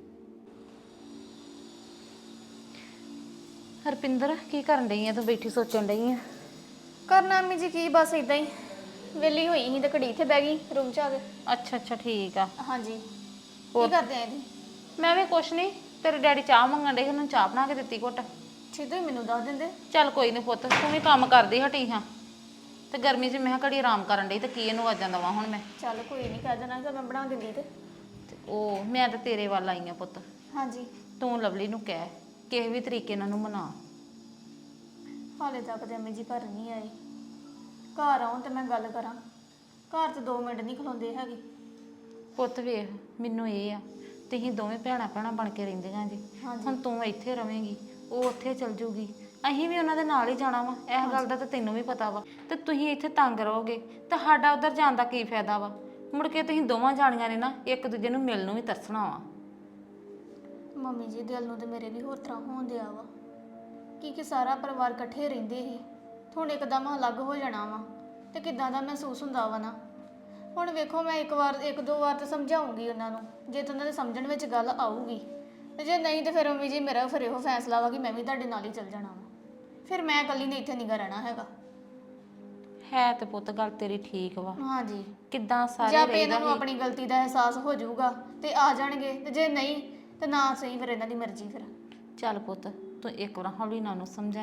Speaker 1: ਹਰਪਿੰਦਰ ਕੀ ਕਰਨ ਡਈ ਆ ਤੂੰ? ਬੈਠੀ ਸੋਚਣ ਡਈ ਆ?
Speaker 2: ਕਰਨਾ ਅੰਮੀ ਜੀ ਕੀ, ਬਸ ਇਦਾਂ ਹੀ ਵਿਹਲੀ ਹੋਈ ਸੀ ਤੇ ਘੜੀ ਇੱਥੇ ਬਹਿ ਗਈ ਰੂਮ 'ਚ ਆ ਕੇ।
Speaker 1: ਅੱਛਾ ਅੱਛਾ ਠੀਕ ਆ।
Speaker 2: ਹਾਂਜੀ ਕੀ ਕਰਦੇ ਆ ਇਹਦੀ?
Speaker 1: ਮੈਂ ਵੀ ਕੁਛ ਨਹੀਂ, ਤੇਰੇ ਡੈਡੀ ਚਾਹ ਮੰਗਣ ਡੇ, ਉਹਨਾਂ ਨੂੰ ਚਾਹ ਬਣਾ ਕੇ ਦਿੱਤੀ ਘੁੱਟ।
Speaker 2: ਠੀਕ ਤੁਸੀਂ ਮੈਨੂੰ ਦੱਸ ਦਿੰਦੇ।
Speaker 1: ਚੱਲ ਕੋਈ ਨਹੀਂ ਪੁੱਤ, ਤੂੰ ਵੀ ਕੰਮ ਕਰਦੀ ਹਟੀ ਹਾਂ, ਤੇ ਗਰਮੀ 'ਚ ਮੈਂ ਘੜੀ ਆਰਾਮ ਕਰਨ ਡਈ ਤੇ ਕੀ ਇਹਨੂੰ ਵਾਜਾਂ ਦੇਵਾਂ ਹੁਣ ਮੈਂ।
Speaker 2: ਚੱਲ ਕੋਈ ਨਹੀਂ, ਕਹਿ ਦੇਣਾ ਜੇ ਮੈਂ ਬਣਾ ਦਿੰਦੀ ਤੇ।
Speaker 1: ਉਹ ਮੈਂ ਤਾਂ ਤੇਰੇ ਵੱਲ ਆਈ ਆ ਪੁੱਤ,
Speaker 2: ਹਾਂਜੀ
Speaker 1: ਤੂੰ ਲਵਲੀ ਨੂੰ ਕਹਿ ਕਿਸੇ ਵੀ ਤਰੀਕੇ ਨਾਲ ਨੂੰ ਮਨਾ।
Speaker 2: ਹਾਲੇ ਤੱਕ ਤੇ ਅੰਮੀ ਜੀ ਘਰ ਨਹੀਂ ਆਏ, ਘਰ ਆਉਣ ਤੇ ਮੈਂ ਗੱਲ ਕਰਾਂ, ਘਰ 'ਚ 2 ਮਿੰਟ ਨਹੀਂ ਖਲੋਂਦੇ ਹੈਗੇ।
Speaker 1: ਪੁੱਤ ਵੇਖ, ਮੈਨੂੰ ਇਹ ਆ ਤੁਸੀਂ ਦੋਵੇਂ ਭੈਣਾਂ ਭੈਣਾਂ ਬਣ ਕੇ ਰਹਿੰਦੀਆਂ ਜੀ। ਹੁਣ ਤੂੰ ਇੱਥੇ ਰਵੇਂਗੀ, ਉਹ ਉੱਥੇ ਚਲ ਜੂਗੀ, ਅਸੀਂ ਵੀ ਉਹਨਾਂ ਦੇ ਨਾਲ ਹੀ ਜਾਣਾ ਵਾ, ਇਸ ਗੱਲ ਦਾ ਤਾਂ ਤੈਨੂੰ ਵੀ ਪਤਾ ਵਾ। ਤੇ ਤੁਸੀਂ ਇੱਥੇ ਤੰਗ ਰਹੋਗੇ ਤਾਂ ਸਾਡਾ ਉਧਰ ਜਾਣ ਦਾ ਕੀ ਫਾਇਦਾ ਵਾ? ਮੁੜ ਕੇ ਤੁਸੀਂ ਦੋਵਾਂ ਜਾਣੀਆਂ ਨੇ ਨਾ ਇੱਕ ਦੂਜੇ ਨੂੰ ਮਿਲਣ ਨੂੰ ਵੀ ਤਰਸਣਾ ਵਾ।
Speaker 2: ਮੰਮੀ ਜੀ ਦਿਲ ਨੂੰ ਤੇ ਮੇਰੇ ਵੀ ਹੋਰ ਤਰ੍ਹਾਂ ਹੋਣ ਦਿਆ ਵਾ ਕਿ ਸਾਰਾ ਪਰਿਵਾਰ ਇਕੱਠੇ ਰਹਿੰਦੇ ਸੀ, ਹੁਣ ਇੱਕਦਮ ਅਲੱਗ ਹੋ ਜਾਣਾ ਵਾ ਤੇ ਕਿੱਦਾਂ ਦਾ ਮਹਿਸੂਸ ਹੁੰਦਾ ਵਾ ਨਾ। ਹੁਣ ਵੇਖੋ ਮੈਂ ਇੱਕ ਦੋ ਵਾਰ ਤਾਂ ਸਮਝਾਉਂਗੀ ਉਹਨਾਂ ਨੂੰ, ਜੇ ਤਾਂ ਉਹਨਾਂ ਦੇ ਸਮਝਣ ਵਿੱਚ ਗੱਲ ਆਊਗੀ, ਤੇ ਜੇ ਨਹੀਂ ਤੇ ਫਿਰ ਮੰਮੀ ਜੀ ਮੇਰਾ ਫਿਰ ਇਹੋ ਫੈਸਲਾ ਵਾ ਕਿ ਮੈਂ ਵੀ ਤੁਹਾਡੇ ਨਾਲ ਹੀ ਚੱਲ ਜਾਣਾ ਵਾ, ਫਿਰ ਮੈਂ ਇਕੱਲੀ ਨੇ ਇੱਥੇ ਨਹੀਂ ਰਹਿਣਾ ਹੈਗਾ।
Speaker 1: ਹੈ ਤੇ ਪੁੱਤ ਗੱਲ ਤੇਰੀ ਠੀਕ ਵਾ।
Speaker 2: ਹਾਂਜੀ
Speaker 1: ਕਿੱਦਾਂ ਸਾਰੇ
Speaker 2: ਜੇ ਆਪੇ ਇਹਨਾਂ ਨੂੰ ਆਪਣੀ ਗਲਤੀ ਦਾ ਅਹਿਸਾਸ ਹੋ ਜਾਊਗਾ ਤੇ ਆ ਜਾਣਗੇ, ਤੇ ਜੇ ਨਹੀਂ ਤੇ ਨਾ ਸਹੀ, ਫਿਰ ਇਹਨਾਂ ਦੀ ਮਰਜ਼ੀ। ਫਿਰ
Speaker 1: ਚੱਲ ਪੁੱਤ ਤੂੰ ਇੱਕ ਵਾਰ ਹੌਲੀ ਨਾਲ ਨੂੰ ਸਮਝਾਈ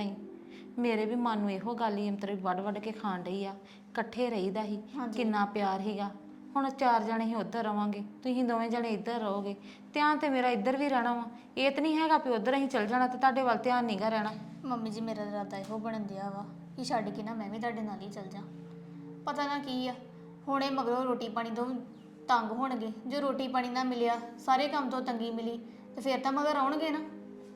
Speaker 1: ਮੇਰੇ ਵੀ ਮਨ ਨੂੰ ਇਹੋ ਗੱਲ ਹੀ ਅੰਤਰੇ ਵੱਡ ਵੱਡ ਕੇ ਖਾਣ ਡਈ ਆ। ਇਕੱਠੇ ਰਹੀਦਾ ਸੀ, ਕਿੰਨਾ ਪਿਆਰ ਸੀਗਾ। ਹੁਣ 4 ਜਣੇ ਹੀ ਉੱਧਰ ਰਵਾਂਗੇ, ਤੁਸੀਂ ਦੋਵੇਂ ਜਣੇ ਇੱਧਰ ਰਹੋਗੇ। ਧਿਆਨ ਤੇ ਮੇਰਾ ਇੱਧਰ ਵੀ ਰਹਿਣਾ ਵਾ। ਇਹ ਤਾਂ ਨਹੀਂ ਹੈਗਾ ਵੀ ਉੱਧਰ ਅਸੀਂ ਚੱਲ ਜਾਣਾ ਤੇ ਤੁਹਾਡੇ ਵੱਲ ਧਿਆਨ ਨਹੀਂਗਾ ਰਹਿਣਾ।
Speaker 2: ਮੰਮੀ ਜੀ ਮੇਰਾ ਇਰਾਦਾ ਇਹੋ ਬਣਨ ਦਿਆ ਵਾ ਕਿ ਛੱਡ ਕੇ ਨਾ ਮੈਂ ਵੀ ਤੁਹਾਡੇ ਨਾਲ ਹੀ ਚੱਲ ਜਾ। ਪਤਾ ਨਾ ਕੀ ਆ, ਹੁਣੇ ਮਗਰੋਂ ਰੋਟੀ ਪਾਣੀ ਤੋਂ ਤੰਗ ਹੋਣਗੇ। ਜੋ ਰੋਟੀ ਪਾਣੀ ਨਾ ਮਿਲਿਆ, ਸਾਰੇ ਕੰਮ ਤੋਂ ਤੰਗੀ ਮਿਲੀ, ਤੇ ਫਿਰ ਤਾਂ ਮਗਰ ਆਉਣਗੇ ਨਾ।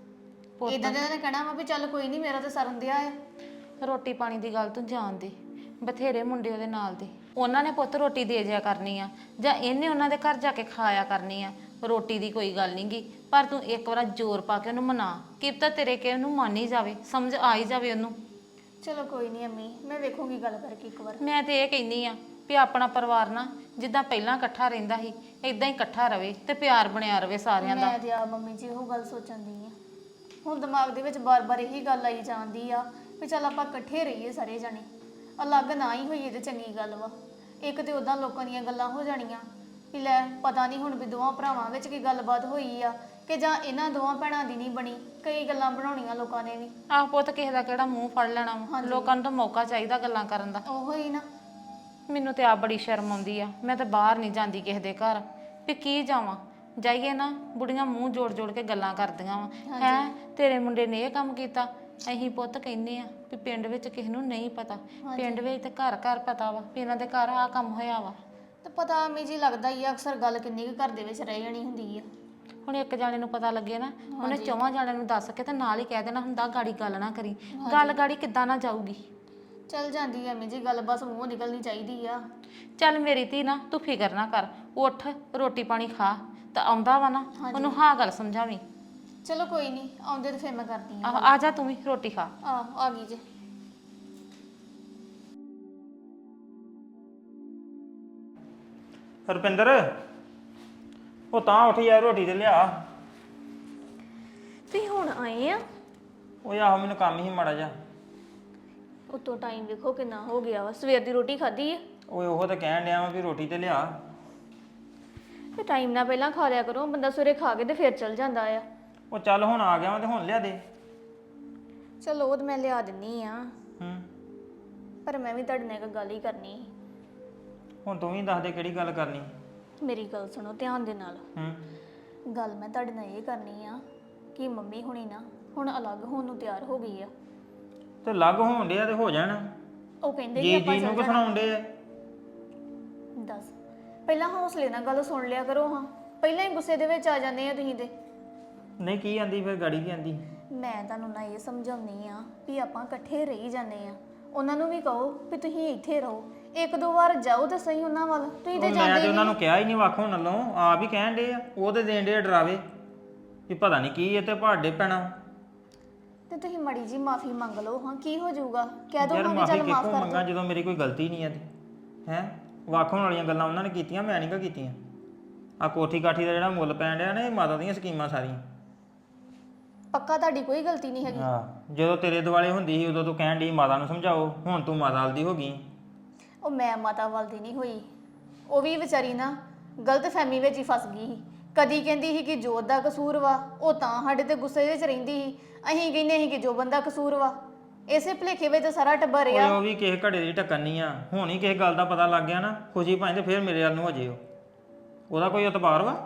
Speaker 2: ਇਦਾਂ ਦੇ ਨੇ ਕਹਿਣਾ ਵਾ ਵੀ ਚੱਲ ਕੋਈ ਨਹੀਂ, ਮੇਰਾ ਤਾਂ ਸਰਨ ਦਿਆ ਆ।
Speaker 1: ਰੋਟੀ ਪਾਣੀ ਦੀ ਗੱਲ ਤੂੰ ਜਾਣ ਦੇ, ਬਥੇਰੇ ਮੁੰਡੇ ਉਹਦੇ ਨਾਲ ਦੇ, ਉਹਨਾਂ ਨੇ ਪੁੱਤ ਰੋਟੀ ਦੇ ਜਿਆ ਕਰਨੀ ਆ, ਜਾਂ ਇਹਨੇ ਉਹਨਾਂ ਦੇ ਘਰ ਜਾ ਕੇ ਖਾਇਆ ਕਰਨੀ ਆ। ਰੋਟੀ ਦੀ ਕੋਈ ਗੱਲ ਨੀ ਗੀ, ਪਰ ਤੂੰ ਇੱਕ ਵਾਰ ਜ਼ੋਰ ਪਾ ਕੇ ਉਹਨੂੰ ਮਨਾ, ਕੀ ਪਤਾ ਤੇਰੇ ਕੇ ਉਹਨੂੰ ਮੰਨ ਹੀ ਜਾਵੇ, ਸਮਝ ਆ ਹੀ ਜਾਵੇ ਉਹਨੂੰ।
Speaker 2: ਚਲੋ ਕੋਈ ਨਹੀਂ ਅੰਮੀ, ਮੈਂ ਵੇਖੂੰਗੀ ਗੱਲ ਕਰਕੇ ਇੱਕ ਵਾਰ।
Speaker 1: ਮੈਂ ਤੇ ਇਹ ਕਹਿੰਦੀ ਆ ਵੀ ਆਪਣਾ ਪਰਿਵਾਰ ਨਾ ਜਿੱਦਾਂ ਪਹਿਲਾਂ ਇਕੱਠਾ ਰਹਿੰਦਾ ਸੀ ਇਦਾਂ ਹੀ ਇਕੱਠਾ ਰਵੇ ਤੇ ਪਿਆਰ ਬਣਿਆ ਰਵੇ ਸਾਰਿਆਂ ਦਾ।
Speaker 2: ਮੈਂ ਤੇ ਆ ਮੰਮੀ ਜੀ ਉਹ ਗੱਲ ਸੋਚਣ ਦੀ ਆ, ਹੁਣ ਦਿਮਾਗ ਦੇ ਵਿੱਚ ਬਾਰ-ਬਾਰ ਇਹੀ ਗੱਲ ਆਈ ਜਾਂਦੀ ਆ ਵੀ ਚੱਲ ਆਪਾਂ ਇਕੱਠੇ ਰਹੀਏ ਸਾਰੇ ਜਾਣੇ, ਅਲੱਗ ਨਾ ਹੀ ਹੋਈਏ ਤੇ ਚੰਗੀ ਗੱਲ ਵਾ। ਇੱਕ ਤੇ ਉਦਾਂ ਲੋਕਾਂ ਦੀਆਂ ਗੱਲਾਂ ਹੋ ਜਾਣੀਆਂ ਵੀ ਲੈ ਪਤਾ ਨਹੀਂ ਹੁਣ ਵੀ ਦੋਵਾਂ ਭਰਾਵਾਂ ਵਿੱਚ ਕੀ ਗੱਲਬਾਤ ਹੋਈ ਆ ਕਿ ਜਾਂ ਇਹਨਾਂ ਦੋਵਾਂ ਭੈਣਾਂ ਦੀ ਨਹੀਂ ਬਣੀ। ਕਈ ਗੱਲਾਂ ਬਣਾਉਣੀਆਂ ਲੋਕਾਂ ਨੇ ਵੀ।
Speaker 1: ਆਹ ਪੁੱਤ ਕਿਸੇ ਦਾ ਕਿਹੜਾ ਮੂੰਹ ਫੜ ਲੈਣਾ ਵਾ, ਲੋਕਾਂ ਨੂੰ ਤਾਂ ਮੌਕਾ ਚਾਹੀਦਾ ਗੱਲਾਂ ਕਰਨ ਦਾ।
Speaker 2: ਉਹੋ ਹੀ ਨਾ,
Speaker 1: ਮੈਨੂੰ ਤੇ ਆ ਬੜੀ ਸ਼ਰਮ ਆਉਂਦੀ ਆ। ਮੈਂ ਤਾਂ ਬਾਹਰ ਨਹੀਂ ਜਾਂਦੀ ਕਿਸੇ ਦੇ ਘਰ, ਵੀ ਕੀ ਜਾਵਾਂ। ਜਾਈਏ ਨਾ ਬੁੜੀਆਂ ਮੂੰਹ ਜੋੜ ਜੋੜ ਕੇ ਗੱਲਾਂ ਕਰਦੀਆਂ ਵਾ, ਹੈ ਤੇਰੇ ਮੁੰਡੇ ਨੇ ਇਹ ਕੰਮ ਕੀਤਾ। ਅਸੀਂ ਪੁੱਤ ਕਹਿੰਦੇ ਆ ਵੀ ਪਿੰਡ ਵਿੱਚ ਕਿਸੇ ਨੂੰ ਨਹੀਂ ਪਤਾ, ਪਿੰਡ ਵਿੱਚ ਤੇ ਘਰ ਘਰ ਪਤਾ ਵਾ ਵੀ ਇਹਨਾਂ ਦੇ ਘਰ ਆਹ ਕੰਮ ਹੋਇਆ ਵਾ।
Speaker 2: ਤੇ ਪਤਾ ਅੰਮੀ ਜੀ ਲੱਗਦਾ ਹੀ ਆ ਅਕਸਰ ਗੱਲ ਕਿੰਨੀ ਕੁ ਘਰ ਦੇ ਵਿੱਚ ਰਹਿ ਜਾਣੀ ਹੁੰਦੀ ਆ।
Speaker 1: ਹੁਣ ਇੱਕ ਜਾਣੇ ਨੂੰ ਪਤਾ ਲੱਗੇ ਨਾ, ਉਹਨੇ 4 ਜਾਣਿਆਂ ਨੂੰ ਦੱਸ ਕੇ ਤੇ ਨਾਲ ਹੀ ਕਹਿ ਦੇਣਾ ਹੁੰਦਾ ਗਾੜੀ ਗੱਲ ਨਾ ਕਰੀ। ਗੱਲ ਗਾੜੀ ਕਿੱਦਾਂ ਨਾ ਜਾਊਗੀ।
Speaker 2: ਚੱਲ ਜਾਂਦੀ ਆ ਅੰਮੀ ਜੀ ਗੱਲ, ਬਸ ਮੂੰਹੋਂ ਨਿਕਲਣੀ ਚਾਹੀਦੀ ਆ।
Speaker 1: ਚੱਲ ਮੇਰੀ ਧੀ ਨਾ ਤੂੰ ਫਿਕਰ ਨਾ ਕਰ, ਉੱਠ ਰੋਟੀ ਪਾਣੀ ਖਾ, ਤਾਂ ਆਉਂਦਾ ਵਾ ਨਾ ਉਹਨੂੰ ਹਾਂ ਗੱਲ ਸਮਝਾਵੀਂ।
Speaker 2: ਚਲੋ ਕੋਈ ਨਹੀਂ, ਆਉਂਦੇ ਤੇ ਫਿਰ ਮੈਂ ਕਰਦੀ ਆ।
Speaker 1: ਆ ਜਾ ਤੂੰ ਵੀ ਰੋਟੀ ਖਾ।
Speaker 2: ਆ ਗਈ ਜੇ।
Speaker 4: ਰੁਪਿੰਦਰ ਉਹ ਤਾਂ ਉੱਠ ਯਾਰ, ਰੋਟੀ ਤੇ ਲਿਆ।
Speaker 2: ਤੁਸੀਂ ਹੁਣ ਆਏ ਆ?
Speaker 4: ਉਹ ਆਹੋ ਮੈਨੂੰ ਕੰਮ ਹੀ ਮਾੜਾ ਜਾ।
Speaker 2: ਉਤੋਂ ਟਾਈਮ ਵੇਖੋ ਕਿੰਨਾ ਹੋ ਗਿਆ ਵਾ, ਸਵੇਰ ਦੀ ਰੋਟੀ ਖਾਧੀ ਆ?
Speaker 4: ਓਏ ਉਹ ਤਾਂ ਕਹਿਣ ਡਿਆ ਵਾ ਵੀ ਰੋਟੀ ਤੇ ਲਿਆ।
Speaker 2: ਤੇ ਟਾਈਮ ਨਾਲ ਪਹਿਲਾਂ ਖਾ ਲਿਆ ਕਰੋ, ਬੰਦਾ ਸਵੇਰੇ ਖਾ ਕੇ ਤੇ ਫਿਰ ਚਲ ਜਾਂਦਾ ਆ।
Speaker 4: ਉਹ ਚੱਲ ਹੁਣ ਆ ਗਿਆ ਵਾ ਤੇ ਹੁਣ ਲਿਆ ਦੇ।
Speaker 2: ਚਲੋ ਉਹ ਤਾਂ ਮੈਂ ਲਿਆ ਦਿੰਨੀ ਆ,
Speaker 4: ਹੂੰ
Speaker 2: ਪਰ ਮੈਂ ਵੀ ਤੁਹਾਡੇ ਨਾਲ ਇੱਕ ਗੱਲ ਹੀ ਕਰਨੀ ਸੀ।
Speaker 4: ਹੁਣ ਤੂੰ ਵੀ ਦੱਸ ਦੇ ਕਿਹੜੀ ਗੱਲ ਕਰਨੀ।
Speaker 2: ਮੇਰੀ ਗੱਲ ਸੁਣੋ ਧਿਆਨ ਦੇ ਨਾਲ।
Speaker 4: ਹੂੰ
Speaker 2: ਗੱਲ ਮੈਂ ਤੁਹਾਡੇ ਨਾਲ ਇਹ ਕਰਨੀ ਆ ਕਿ ਮੰਮੀ ਹੁਣੀ ਨਾ ਹੁਣ ਅਲੱਗ ਹੋਣ ਨੂੰ ਤਿਆਰ ਹੋ ਗਈ ਆ।
Speaker 4: ਤੇ ਲੱਗ ਹੋਣ ਡਿਆ ਤੇ ਹੋ ਜਾਣ।
Speaker 2: ਉਹ ਕਹਿੰਦੇ ਕਿ
Speaker 4: ਜੀ
Speaker 2: ਆਪਾਂ
Speaker 4: ਜੀ ਨੂੰ
Speaker 2: ਚੱਲ
Speaker 4: ਕਿ
Speaker 2: ਜਾਣਾ।
Speaker 4: ਸੁਣਾਉਣ ਡੇ ਆ।
Speaker 2: ਦੱਸ ਪਹਿਲਾਂ ਹੌਸਲੇ ਨਾਲ ਗੱਲ ਸੁਣ ਲਿਆ ਕਰੋ। ਹਾਂ ਪਹਿਲਾਂ ਹੀ ਗੁੱਸੇ ਦੇ ਵਿੱਚ ਆ ਜਾਂਦੇ ਆ ਤੁਸੀਂ ਤੇ।
Speaker 4: ਨਹੀਂ ਕੀ ਆਂਦੀ ਫਿਰ ਗਾੜੀ ਕੀ ਆਂਦੀ।
Speaker 2: ਮੈਂ ਤੁਹਾਨੂੰ ਨਾ ਇਹ ਸਮਝਾਉਣੀ ਆ ਵੀ ਆਪਾਂ ਇਕੱਠੇ ਰਹੀ ਜਾਂਦੇ ਆ। ਉਹਨਾਂ ਨੂੰ ਵੀ ਕਹੋ ਵੀ ਤੁਸੀਂ ਇੱਥੇ ਰਹੋ, 1-2 ਵਾਰ ਜਾਓ ਤਾਂ ਸਹੀ ਉਹਨਾਂ ਵੱਲ। ਤੁਸੀਂ ਤੇ
Speaker 4: ਮੈਂ
Speaker 2: ਜਾਂਦੇ
Speaker 4: ਤੇ ਉਹਨਾਂ
Speaker 2: ਨਹੀਂ।
Speaker 4: ਨੂੰ ਕਿਹਾ ਹੀ ਨਹੀਂ ਵੱਖ ਹੋਣ ਨਾਲੋਂ, ਆਪ ਹੀ ਕਹਿਣ ਡੇ ਆ। ਉਹ ਤੇ ਦੇਣ ਡੇ ਡਰਾਵੇ ਵੀ ਪਤਾ ਨਹੀਂ ਕੀ ਇਹ ਤੇ ਪਹਾੜੇ ਪੈਣਾ।
Speaker 2: ਤੇ ਤੁਸੀਂ ਮੜੀ ਜੀ ਮਾਫੀ ਮੰਗ ਲਓ। ਹਾਂ ਕੀ ਹੋ ਜਾਊਗਾ, ਕਹਿ ਦੋ
Speaker 4: ਯਾਰ
Speaker 2: ਹਾਂ ਵੀ
Speaker 4: ਮਾਫੀ
Speaker 2: ਚੱਲ ਮਾਫ
Speaker 4: ਕਿੱਥੋਂ
Speaker 2: ਕਰ
Speaker 4: ਮੰਗਾ
Speaker 2: ਦੋ।
Speaker 4: ਜਦੋਂ ਮੇਰੀ ਕੋਈ ਗਲਤੀ ਨਹੀਂ ਆ ਤੇ ਹੈ। ਵੱਖ ਹੋਣ ਵਾਲੀਆਂ ਗੱਲਾਂ ਉਹਨਾਂ ਨੇ ਕੀਤੀਆਂ, ਮੈਂ ਨਹੀਂ ਗਾ ਕੀਤੀਆਂ। ਆ ਕੋਠੀ ਕਾਠੀ ਦਾ ਜਿਹੜਾ ਮੁੱਲ ਪੈਣ ਡਿਆ ਨਾ, ਇਹ ਮਾਤਾ ਦੀਆਂ ਸਕੀਮਾਂ ਸਾਰੀਆਂ।
Speaker 2: ਪੱਕਾ ਤੁਹਾਡੀ ਕੋਈ ਗਲਤੀ ਨਹੀਂ ਹੈਗੀ।
Speaker 4: ਹਾਂ ਜਦੋਂ ਤੇਰੇ ਦੁਆਲੇ ਹੁੰਦੀ ਸੀ ਉਦੋਂ ਤੂੰ ਕਹਿਣ ਡਈ ਮਾਤਾ ਨੂੰ ਸਮਝਾਓ, ਹੁਣ ਤੂੰ ਮਾਤਾ ਵਾਲ ਦੀ ਹੋ ਗਈ।
Speaker 2: ਉਹ ਮੈਂ ਮਾਤਾ ਵੱਲ ਦੀ ਨਹੀਂ ਹੋਈ, ਉਹ ਵੀ ਵਿਚਾਰੀ ਨਾ ਗਲਤ ਫਹਿਮੀ ਵਿੱਚ ਹੀ ਫਸ ਗਈ ਸੀ। ਕਦੀ ਕਹਿੰਦੀ ਸੀ ਕਿ ਜੋਤ ਦਾ ਕਸੂਰ ਵਾ, ਉਹ ਤਾਂ ਸਾਡੇ ਤੇ ਗੁੱਸੇ ਵਿੱਚ ਰਹਿੰਦੀ ਸੀ। ਅਸੀਂ ਕਹਿੰਦੇ ਸੀ ਕਿ ਜੋ ਬੰਦਾ ਕਸੂਰ ਵਾ। ਇਸੇ ਭੁਲੇਖੇ ਵਿੱਚ ਸਾਰਾ ਟੱਬਰ
Speaker 4: ਓਏ
Speaker 2: ਆ।
Speaker 4: ਉਹ ਵੀ ਕਿਸੇ ਘੜੇ ਦੀ ਢੱਕਣ ਨਹੀਂ ਆ। ਹੁਣ ਹੀ ਕਿਸੇ ਗੱਲ ਦਾ ਪਤਾ ਲੱਗ ਗਿਆ ਨਾ, ਖੁਸ਼ੀ ਭਾਵੇਂ ਤੇ ਫਿਰ ਮੇਰੇ ਵੱਲ ਨੂੰ ਹੋ ਜੇ। ਉਹਦਾ ਕੋਈ ਇਤਬਾਰ ਵਾ?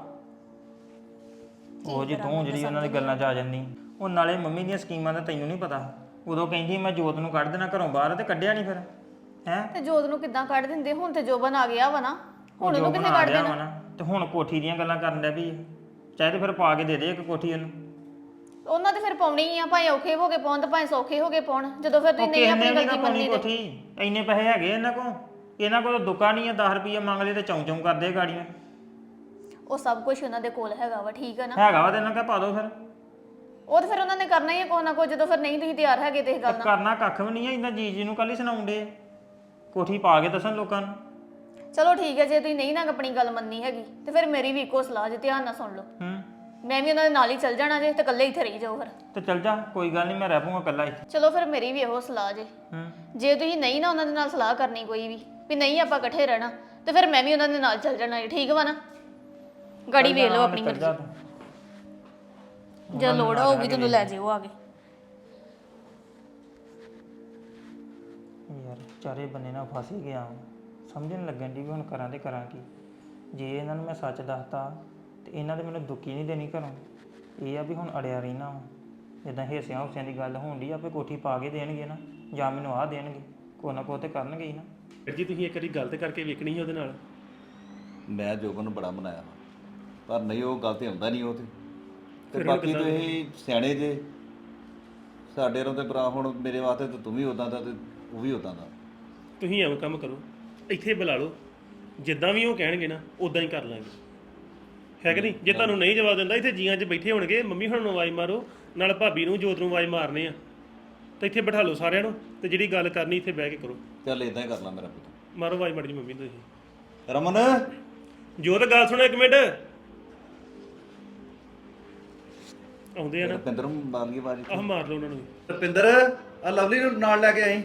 Speaker 4: ਉਹ ਜੀ ਤੂੰ ਜਿਹੜੀ ਉਹਨਾਂ ਦੀ ਗੱਲਾਂ 'ਚ ਆ ਜਾਂਦੀ। ਉਹ ਨਾਲੇ ਮੰਮੀ ਦੀਆਂ ਸਕੀਮਾਂ ਦਾ ਤੈਨੂੰ ਨਹੀਂ ਪਤਾ। ਉਦੋਂ ਕਹਿੰਦੀ ਮੈਂ ਜੋਤ ਨੂੰ ਕੱਢ ਦੇਣਾ ਘਰੋਂ ਬਾਹਰ, ਤੇ ਕੱਢਿਆ ਨਹੀਂ ਫਿਰ ਹੈ।
Speaker 2: ਤੇ ਜੋਤ ਨੂੰ ਕਿੱਦਾਂ ਕੱਢ ਦਿੰਦੇ? ਹੁਣ ਤੇ ਜੋਬਨ ਆ ਗਿਆ ਵਾ ਨਾ, ਹੁਣ
Speaker 4: ਜੋ
Speaker 2: ਉਹਨੂੰ ਕਿੱਥੇ
Speaker 4: ਬਣਾ
Speaker 2: ਕੱਢ
Speaker 4: ਲਿਆ
Speaker 2: ਦੇਣਾ?
Speaker 4: ਵਾ ਨਾ, ਤੇ ਹੁਣ ਕੋਠੀ ਦੀਆਂ ਗੱਲਾਂ ਕਰਨ ਡਿਆ ਵੀ। ਚਾਹੇ ਤੇ ਫਿਰ ਪਾ ਕੇ ਦੇ ਦੇ ਇੱਕ ਕੋਠੀ ਉਹਨੂੰ।
Speaker 2: ਉਹਨਾਂ ਤੇ ਫਿਰ ਪਾਉਣੀ ਆ, ਭਾਵੇਂ ਔਖੇ ਹੋ ਕੇ ਪਾਉਣ ਤੇ ਭਾਵੇਂ ਸੌਖੇ ਹੋ ਕੇ ਪਾਉਣ। ਜਦੋਂ ਫਿਰ ਤੁਸੀਂ
Speaker 4: ਉਹ
Speaker 2: ਨਹੀਂ
Speaker 4: ਕਿਸੇ
Speaker 2: ਆਪਣੀ
Speaker 4: ਨੇ ਨਹੀਂ
Speaker 2: ਗਲਤੀ
Speaker 4: ਪਾਉਣੀ
Speaker 2: ਮੰਨਣੀ ਤੇ
Speaker 4: ਕੋਠੀ। ਇੰਨੇ ਪੈਸੇ ਹੈਗੇ ਇਹਨਾਂ ਕੋਲ। ਇਹਨਾਂ ਕੋਲ ਦੁੱਕਾ ਨਹੀਂ ਆ, 10 ਰੁਪਏ ਮੰਗ ਲਏ ਤੇ ਚੌਂ ਚੌਂ ਕਰਦੇ ਗਾੜੀਆਂ।
Speaker 2: ਉਹ ਸਭ ਕੁਝ ਉਹਨਾਂ ਦੇ ਕੋਲ ਹੈਗਾ ਵਾ, ਠੀਕ ਹੈ ਨਾ?
Speaker 4: ਹੈਗਾ ਵਾ ਤੇ ਇਹਨਾਂ ਕਾ ਪਾ ਦੋ ਫਿਰ।
Speaker 2: ਉਹ ਤੇ ਫਿਰ ਉਹਨਾਂ ਨੇ ਕਰਨਾ ਹੀ ਹੈ ਕੁਛ ਨਾ ਕੁਛ, ਜਦੋਂ ਫਿਰ ਨਹੀਂ ਤੁਸੀਂ ਤਿਆਰ ਹੈਗੇ ਤੇ ਇਹ ਗੱਲ ਨਾਲ।
Speaker 4: ਕਰਨਾ ਕੱਖ ਵੀ ਨਹੀਂ ਆ। ਇੰਨਾ ਜੀ ਨੂੰ ਕੱਲ ਹੀ ਸੁਣਾਉਂਦੇ ਕੋਠੀ ਪਾ ਕੇ ਦੱਸਣ ਲੋਕਾਂ ਨੂੰ।
Speaker 2: ਚਲੋ ਠੀਕ ਹੈ, ਜੇ ਤੁਸੀਂ ਨਹੀਂ ਨਾ ਆਪਣੀ ਗੱਲ ਮੰਨਣੀ ਹੈਗੀ ਤੇ ਫਿਰ ਮੇਰੀ ਵੀ ਇੱਕੋ ਸਲਾਹ ਜੇ, ਧਿਆਨ ਨਾਲ ਸੁਣ ਲਓ। ਮੈਂ ਵੀ ਉਹਨਾਂ ਦੇ ਨਾਲ ਹੀ ਚੱਲ ਜਾਣਾ ਜੇ, ਤੇ ਇਕੱਲੇ ਇੱਥੇ ਰਹੀ ਜਾਓ ਫਿਰ।
Speaker 4: ਤੇ ਚੱਲ ਜਾ, ਕੋਈ ਗੱਲ ਨਹੀਂ, ਮੈਂ ਰਹਿ ਪੂੰਗਾ ਇਕੱਲਾ ਇੱਥੇ।
Speaker 2: ਚਲੋ ਫਿਰ ਮੇਰੀ ਵੀ ਇਹੋ ਸਲਾਹ ਜੇ। ਜੇ ਤੁਸੀਂ ਨਹੀਂ ਨਾ ਉਹਨਾਂ ਦੇ ਨਾਲ ਸਲਾਹ ਕਰਨੀ ਕੋਈ ਵੀ ਨਹੀਂ ਆਪਾਂ ਇਕੱਠੇ ਰਹਿਣਾ, ਤੇ ਫਿਰ ਮੈਂ ਵੀ ਉਹਨਾਂ ਦੇ ਨਾਲ ਚੱਲ ਜਾਣਾ ਜੀ, ਠੀਕ ਵਾ ਨਾ? ਗਾੜੀ ਵੇਖ ਲਓ ਆਪਣੀ ਮਰਜ਼ੀ, ਜੇ ਲੋੜ ਹੋਊਗੀ ਤੈਨੂੰ ਲੈ ਜਿਓ ਆ ਕੇ।
Speaker 4: ਯਾਰ ਚਾਰੇ ਬੰਨੇ ਨਾਲ ਫਸ ਹੀ ਗਿਆ ਵਾਂ। ਸਮਝਣ ਲੱਗਣ ਦੀ ਵੀ ਹੁਣ ਕਰਾਂ ਤੇ ਕਰਾਂ ਕੀ। ਜੇ ਇਹਨਾਂ ਨੂੰ ਮੈਂ ਸੱਚ ਦੱਸਤਾ ਤੇ ਇਹਨਾਂ ਦੇ ਮੈਨੂੰ ਦੁੱਕੀ ਨਹੀਂ ਦੇਣੀ ਘਰੋਂ। ਇਹ ਆ ਵੀ ਹੁਣ ਅੜਿਆ ਰਹਿਣਾ ਵਾ। ਜਿੱਦਾਂ ਹਿੱਸਿਆਂ ਹੁੱਸਿਆਂ ਦੀ ਗੱਲ ਹੋਣ ਡਈ ਆਪੇ ਕੋਠੀ ਪਾ ਕੇ ਦੇਣਗੇ ਨਾ, ਜਾਂ ਮੈਨੂੰ ਆਹ ਦੇਣਗੇ, ਕੋਈ ਨਾ ਕੋਈ ਤੇ ਕਰਨਗੇ ਹੀ ਨਾ।
Speaker 5: ਜੀ ਤੁਸੀਂ ਇੱਕ ਵਾਰੀ ਗਲਤ ਕਰਕੇ ਵੇਖਣੀ ਸੀ ਉਹਦੇ ਨਾਲ।
Speaker 3: ਮੈਂ ਜੋਬਨ ਨੂੰ ਬੜਾ ਮਨਾਇਆ ਵਾ, ਪਰ ਨਹੀਂ ਉਹ ਗੱਲ ਤੇ ਆਉਂਦਾ ਨਹੀਂ ਉਹ ਤੇ ਬਾਕੀ ਤੁਸੀਂ ਸਿਆਣੇ ਜੇ ਸਾਡੇ ਨੂੰ ਤੇ ਭਰਾ ਹੁਣ ਮੇਰੇ ਵਾਸਤੇ ਤੇ ਤੂੰ ਵੀ ਉਦਾਂ ਦਾ ਤੇ ਉਹ ਵੀ ਉਦਾਂ ਦਾ।
Speaker 5: ਤੁਸੀਂ ਐਵੇਂ ਕੰਮ ਕਰੋ, ਇੱਥੇ ਬੁਲਾ ਲਓ, ਜਿੱਦਾਂ ਵੀ ਉਹ ਕਹਿਣਗੇ ਨਾ ਉਦਾਂ ਹੀ ਕਰ ਲਾਂਗੇ, ਹੈ ਕਿ ਨਹੀਂ? ਜੇ ਤੁਹਾਨੂੰ ਨਹੀਂ ਜਵਾਬ ਦਿੰਦਾ ਇੱਥੇ ਜੀਆਂ 'ਚ ਬੈਠੇ ਹੋਣਗੇ, ਮੰਮੀ ਹੁਣ ਨੂੰ ਆਵਾਜ਼ ਮਾਰੋ, ਨਾਲ ਭਾਬੀ ਨੂੰ ਜੋਤ ਨੂੰ ਆਵਾਜ਼ ਮਾਰਨੇ ਆ, ਤੇ ਇੱਥੇ ਬਿਠਾ ਲਓ ਸਾਰਿਆਂ ਨੂੰ, ਤੇ ਜਿਹੜੀ ਗੱਲ ਕਰਨੀ ਇੱਥੇ ਬਹਿ ਕੇ ਕਰੋ।
Speaker 3: ਚੱਲ ਇਦਾਂ ਹੀ ਕਰ ਲਾ ਮੇਰਾ ਪੁੱਤ।
Speaker 5: ਮਾਰੋ ਆਵਾਜ਼ ਮਾੜੀ ਜੀ ਮੰਮੀ ਨੂੰ ਤੁਸੀਂ।
Speaker 3: ਰਮਨ
Speaker 5: ਜੋਤ ਗੱਲ ਸੁਣੋ ਇੱਕ ਮਿੰਟ, ਆਉਂਦੇ ਆ ਨਾ,
Speaker 3: ਰਪਿੰਦਰ ਨੂੰ ਮਾਰ ਗਈ ਬਾਜੀ।
Speaker 5: ਆਹ ਮਾਰ ਲਓ ਉਹਨਾਂ ਨੂੰ ਵੀ।
Speaker 3: ਰਪਿੰਦਰ ਆ ਲਵਲੀ ਨੂੰ ਨਾਲ ਲੈ ਕੇ ਆਈ।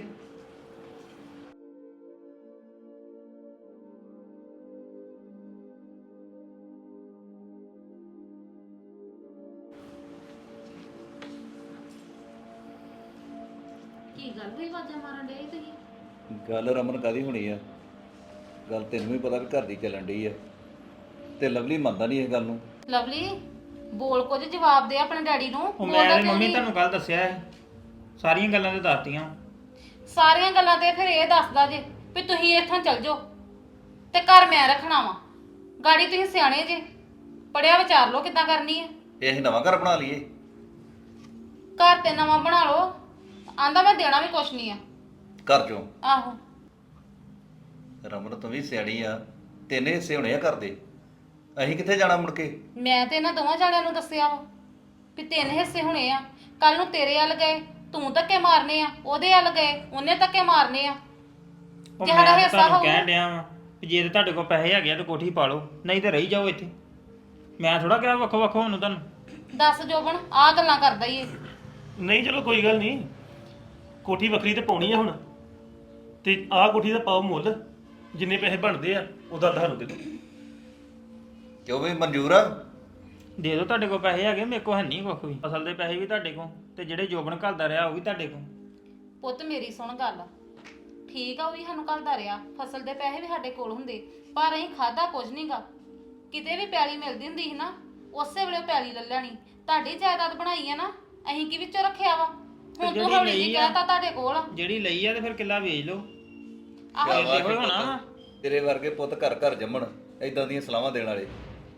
Speaker 1: ਕੀ ਗੱਲ ਹੋਈ ਵਾਜਾਂ ਮਾਰਨ ਡੇ ਤੁਸੀਂ?
Speaker 3: ਗੱਲ ਰਮਨ ਕਾਦੀ ਹੋਣੀ ਆ? ਗੱਲ ਤੈਨੂੰ ਵੀ ਪਤਾ ਵੀ ਘਰ ਦੀ ਚੱਲਣ ਡਈ ਆ, ਤੇ ਲਵਲੀ ਮੰਨਦਾ ਨਹੀਂ ਇਸ ਗੱਲ ਨੂੰ।
Speaker 1: ਲਵਲੀ ਬੋਲ ਕੁਝ, ਜਵਾਬ ਦੇ ਆਪਣੇ ਡੈਡੀ ਨੂੰ।
Speaker 4: ਉਹ ਮੈਂ ਤੇ ਮੰਮੀ ਤੁਹਾਨੂੰ ਕੱਲ ਦੱਸਿਆ ਹੈ, ਸਾਰੀਆਂ ਗੱਲਾਂ ਤੇ ਦੱਸਤੀਆਂ।
Speaker 1: ਸਾਰੀਆਂ ਗੱਲਾਂ ਤੇ ਫਿਰ ਇਹ ਦੱਸਦਾ ਜੇ ਵੀ ਤੁਸੀਂ ਇੱਥੋਂ ਚੱਲ ਜਾਓ ਤੇ ਘਰ ਮੈਂ ਰੱਖਣਾ ਵਾ। ਗਾੜੀ ਤੁਸੀਂ ਸਿਆਣੇ ਜੇ, ਪੜਿਆ ਵਿਚਾਰ ਲਓ ਕਿੱਦਾਂ ਕਰਨੀ ਹੈ।
Speaker 3: ਇਹ ਅਸੀਂ ਨਵਾਂ ਘਰ ਬਣਾ ਲਈਏ?
Speaker 1: ਘਰ ਤੇ ਨਵਾਂ ਬਣਾ ਲਓ, ਆਂਦਾ ਮੈਂ ਦੇਣਾ ਵੀ ਕੁਛ ਨਹੀਂ ਆ
Speaker 3: ਘਰ ਚੋਂ।
Speaker 1: ਆਹੋ
Speaker 3: ਰਮਨ ਤੂੰ ਵੀ ਸਿਆਣੀ ਆ, ਤਿੰਨ ਹਿੱਸੇ ਹੋਣੇ ਆ ਘਰ ਦੇ, ਅਸੀਂ ਕਿੱਥੇ ਜਾਣਾ ਮੁੜ ਕੇ? ਮੈਂ
Speaker 1: ਤੇ ਇਹਨਾਂ ਦੋਵਾਂ ਜਾਣਿਆਂ ਨੂੰ ਦੱਸਿਆ ਵਾ ਵੀ 3 ਹਿੱਸੇ ਹੋਣੇ ਆ। ਕੱਲ ਨੂੰ ਤੇਰੇ ਵੱਲ ਗਏ ਤੂੰ ਧੱਕੇ ਮਾਰਨੇ ਆ, ਉਹਦੇ ਵੱਲ ਗਏ ਉਹਨੇ ਧੱਕੇ ਮਾਰਨੇ ਆ।
Speaker 4: ਉਹ
Speaker 1: ਜੇ
Speaker 4: ਮੈਂ
Speaker 1: ਸਾਡਾ
Speaker 4: ਤਾਂ
Speaker 1: ਹਿੱਸਾ
Speaker 4: ਤੁਹਾਨੂੰ
Speaker 1: ਹੋਊ-
Speaker 4: ਕਹਿਣ ਡਿਆ ਵਾਂ ਵੀ ਜੇ ਤੇ ਤੁਹਾਡੇ ਕੋਲ ਪੈਸੇ ਹੈਗੇ ਆ ਤਾਂ ਕੋਠੀ ਪਾ ਲਓ, ਨਹੀਂ ਤੇ ਰਹੀ ਜਾਓ ਇੱਥੇ। ਮੈਂ ਥੋੜਾ ਕਿਹਾ ਵੱਖੋ ਵੱਖੋ ਹੋਣ ਨੂੰ ਤੁਹਾਨੂੰ।
Speaker 1: ਦੱਸ ਜੋਬਨ ਆਹ ਗੱਲਾਂ ਕਰਦਾ ਈ ਇਹ।
Speaker 5: ਨਹੀਂ ਚਲੋ ਕੋਈ ਗੱਲ ਨਹੀਂ, ਕੋਠੀ ਵੱਖਰੀ ਤੇ ਪਾਉਣੀ ਆ ਹੁਣ, ਤੇ ਆਹ ਕੋਠੀ ਦਾ ਪਾਓ ਮੁੱਲ, ਜਿੰਨੇ ਪੈਸੇ ਬਣਦੇ ਆ ਉਹਦਾ ਤੁਹਾਨੂੰ ਦੇ ਦਿਓ।
Speaker 3: ਕਿਉਂ ਵੀ ਮਨਜ਼ੂਰ ਆ?
Speaker 4: ਦੇ ਦਿਓ, ਤੁਹਾਡੇ ਕੋਲ ਪੈਸੇ ਹੈਗੇ, ਮੇਰੇ ਕੋਲ ਹੈ ਨਹੀਂ ਕੁਛ ਵੀ। ਅਸਲ ਦੇ ਪੈਸੇ ਵੀ ਤੁਹਾਡੇ ਕੋਲ, ਤੇ ਜਿਹੜੇ ਜੋਬਨ ਘੱਲਦਾ ਰਿਹਾ ਉਹ ਵੀ ਤੁਹਾਡੇ ਕੋਲ।
Speaker 1: ਪੁੱਤ ਮੇਰੀ ਸੁਣ ਗੱਲ, ਠੀਕ ਆ ਉਹ ਵੀ ਸਾਨੂੰ ਘੱਲਦਾ ਰਿਹਾ, ਫਸਲ ਦੇ ਪੈਸੇ ਵੀ ਸਾਡੇ ਕੋਲ ਹੁੰਦੇ, ਪਰ ਅਸੀਂ ਖਾਦਾ ਕੁਝ ਨਹੀਂਗਾ। ਕਿਤੇ ਵੀ ਪੈਲੀ ਮਿਲਦੀ ਹੁੰਦੀ ਸੀ ਨਾ ਉਸੇ ਵੇਲੇ ਉਹ ਪੈਲੀ ਲੈ ਲੈਣੀ। ਤੁਹਾਡੀ ਜਾਇਦਾਦ ਬਣਾਈ ਆ ਨਾ, ਅਸੀਂ ਕੀ ਵਿੱਚੋਂ ਰੱਖਿਆ ਵਾ? ਹੁਣ ਤੂੰ ਹੌਲੀ ਜੀ ਕਹਿਤਾ ਤੁਹਾਡੇ ਕੋਲ ਆ।
Speaker 4: ਜਿਹੜੀ ਲਈ ਆ ਤੇ ਫਿਰ ਕਿੱਲਾ ਵੇਚ ਲਓ।
Speaker 1: ਆਹੋ
Speaker 3: ਸ਼ਾਬਾਸ਼
Speaker 4: ਇਹੋ ਹੀ ਹੋਣਾ ਵਾ।
Speaker 3: ਪੁੱਤ, ਤੇਰੇ ਵਰਗੇ ਪੁੱਤ ਘਰ ਘਰ ਜੰਮਣ, ਏਦਾਂ ਦੀਆਂ ਸਲਾਹਾਂ ਦੇਣ ਵਾਲੇ।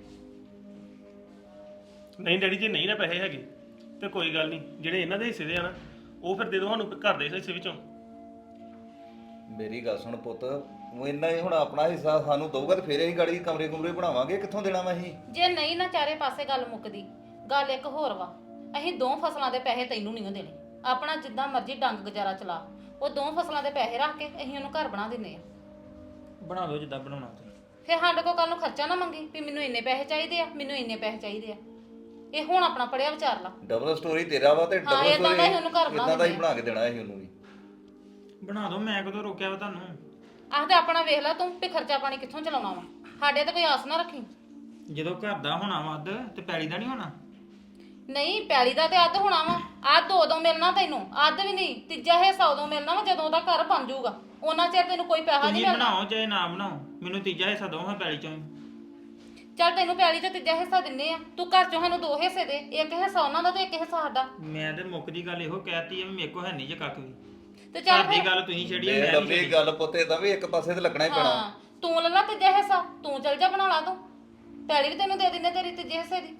Speaker 5: ਨਹੀਂ ਡੈਡੀ ਜੀ ਨਹੀਂ ਨਾ ਪੈਸੇ ਹੈਗੇ ਤੇ ਕੋਈ ਗੱਲ ਨਹੀਂ, ਜਿਹੜੇ ਇਹਨਾਂ ਦੇ ਹਿੱਸੇ ਦੇ ਆ ਨਾ ਉਹ ਫਿਰ ਦੇ ਦਿਓ ਸਾਨੂੰ ਘਰ ਦੇ ਹਿੱਸੇ ਵਿੱਚੋਂ।
Speaker 3: ਮੇਰੀ ਗੱਲ ਸੁਣ ਪੁੱਤ, ਉਹ ਇੰਨਾ ਹੀ ਹੁਣ ਆਪਣਾ ਹਿੱਸਾ ਸਾਨੂੰ ਦਊਗਾ ਤੇ ਫਿਰ ਅਸੀਂ ਗਾੜੀ ਕਮਰੇ ਕੁਮਰੇ ਬਣਾਵਾਂਗੇ, ਕਿੱਥੋਂ ਦੇਣਾ ਵਾ ਅਸੀਂ?
Speaker 1: ਜੇ ਨਹੀਂ ਨਾ ਚਾਰੇ ਪਾਸੇ ਗੱਲ ਮੁੱਕਦੀ, ਗੱਲ ਇੱਕ ਹੋਰ ਵਾ, ਅਸੀਂ 2 ਫਸਲਾਂ ਦੇ ਪੈਸੇ ਤੈਨੂੰ ਨਹੀਂ ਦੇਣੇ। ਆਪਣਾ ਜਿੱਦਾਂ ਮਰਜ਼ੀ ਡੰਗ ਗੁਜ਼ਾਰਾ ਚਲਾ, ਉਹ 2 ਫਸਲਾਂ ਦੇ ਪੈਸੇ ਰੱਖ ਕੇ ਅਸੀਂ ਉਹਨੂੰ ਘਰ ਬਣਾ ਦਿੰਨੇ ਆ।
Speaker 4: ਬਣਾ ਦਿਓ ਜਿੱਦਾਂ ਬਣਾਉਣਾ ਤੁਸੀਂ।
Speaker 1: ਫਿਰ ਸਾਡੇ ਕੋਲ ਕੱਲ ਨੂੰ ਖਰਚਾ ਨਾ ਮੰਗੀ ਵੀ ਮੈਨੂੰ ਇੰਨੇ ਪੈਸੇ ਚਾਹੀਦੇ ਆ, ਮੈਨੂੰ ਇੰਨੇ ਪੈਸੇ ਚਾਹੀਦੇ ਆ। ਇਹ ਹੁਣ ਆਪਣਾ ਪੜਿਆ ਵਿਚਾਰ ਲਾ।
Speaker 3: ਡਬਲ ਸਟੋਰੀ ਤੇਰਾ ਵਾ ਤੇ
Speaker 1: ਹਾਂ,
Speaker 3: ਡਬਲ
Speaker 1: ਏਦਾਂ ਦਾ ਹੀ ਉਹਨੂੰ ਘਰ
Speaker 3: ਸਟੋਰੀ
Speaker 1: ਬਣਾ
Speaker 3: ਇਦਾਂ ਦਾ ਹੀ
Speaker 1: ਦਿੰਦੇ
Speaker 3: ਬਣਾ ਕੇ ਦੇਣਾ ਅਸੀਂ ਉਹਨੂੰ ਵੀ।
Speaker 4: ਬਣਾ ਦਿਓ, ਮੈਂ ਕਦੋਂ ਰੋਕਿਆ ਵਾ ਤੁਹਾਨੂੰ?
Speaker 1: ਆਹ ਤੇ ਆਪਣਾ ਵੇਖ ਲੈ ਤੂੰ ਵੀ ਖਰਚਾ ਪਾਣੀ ਕਿੱਥੋਂ ਚਲਾਉਣਾ ਵਾ। ਸਾਡੇ ਤੇ ਕੋਈ ਆਸ ਨਾ ਰੱਖੀ।
Speaker 4: ਜਦੋਂ ਘਰ ਦਾ ਹੋਣਾ ਵਾ ਅੱਧ, ਤੇ ਪੈਲੀ ਦਾ ਨਹੀਂ ਹੋਣਾ।
Speaker 1: ਨਹੀਂ ਪੈਲੀ ਦਾ ਤੇ ਅੱਧ ਹੋਣਾ ਵਾ, ਅੱਧ ਉਦੋਂ ਮਿਲਣਾ ਤੈਨੂੰ, ਅੱਧ ਵੀ ਨਹੀਂ, ਤੀਜਾ ਹਿੱਸਾ ਉਦੋਂ ਮਿਲਣਾ ਵਾ ਜਦੋਂ ਉਹਦਾ ਘਰ ਬਣ ਜਾਊਗਾ। ਉਹਨਾਂ ਚਿਰ ਤੈਨੂੰ ਕੋਈ ਪੈਸਾ ਨਹੀਂ
Speaker 4: ਤੁਸੀਂ
Speaker 1: ਮਿਲਣਾ।
Speaker 4: ਬਣਾਓ ਚਾਹੇ ਨਾ ਬਣਾਓ, ਮੈਨੂੰ ਤੀਜਾ ਹਿੱਸਾ ਦਿਓ ਹਾਂ ਪੈਲੀ ਚੋਂ।
Speaker 1: ਚੱਲ ਤੈਨੂੰ ਪੈਲੀ ਤੇ ਤੀਜਾ ਹਿੱਸਾ ਦਿੰਨੇ ਆ, ਤੂੰ ਘਰ ਚੋਂ ਸਾਨੂੰ 2 ਹਿੱਸੇ ਦੇ, ਇੱਕ ਹਿੱਸਾ ਉਹਨਾਂ ਦਾ ਤੇ ਇੱਕ ਹਿੱਸਾ ਸਾਡਾ।
Speaker 4: ਮੈਂ ਤੇ ਮੁੱਕ ਦੀ ਗੱਲ ਇਹੋ ਕਹਿਤੀ ਆ ਵੀ ਮੇਰੇ ਕੋਲ ਹੈ ਨਹੀਂ ਜੇ ਕੱਖ ਵੀ।
Speaker 1: ਤੇ ਚੱਲ
Speaker 4: ਘਰ ਦੀ
Speaker 1: ਫਿਰ
Speaker 4: ਗੱਲ ਤੁਸੀਂ ਛੱਡੀ ਆ,
Speaker 3: ਇਹ
Speaker 4: ਮੈਂ ਨਹੀਂ
Speaker 3: ਲੰਬੀ
Speaker 4: ਛੱਡੀ।
Speaker 3: ਗੱਲ ਪੁੱਤ ਏਦਾਂ ਵੀ ਇੱਕ ਪਾਸੇ ਤੇ ਲੱਗਣਾ ਹੀ ਪੈਣਾ।
Speaker 1: ਹਾਂ ਤੂੰ ਲੈ ਲਾ ਤੀਜਾ ਹਿੱਸਾ, ਤੂੰ ਚੱਲ ਜਾ ਬਣਾ ਲਾ, ਤੂੰ ਪੈਲੀ ਵੀ ਤੈਨੂੰ ਦੇ ਦਿੰਨੇ ਤੇਰੀ ਤੀਜੇ ਹਿੱਸੇ ਦੀ।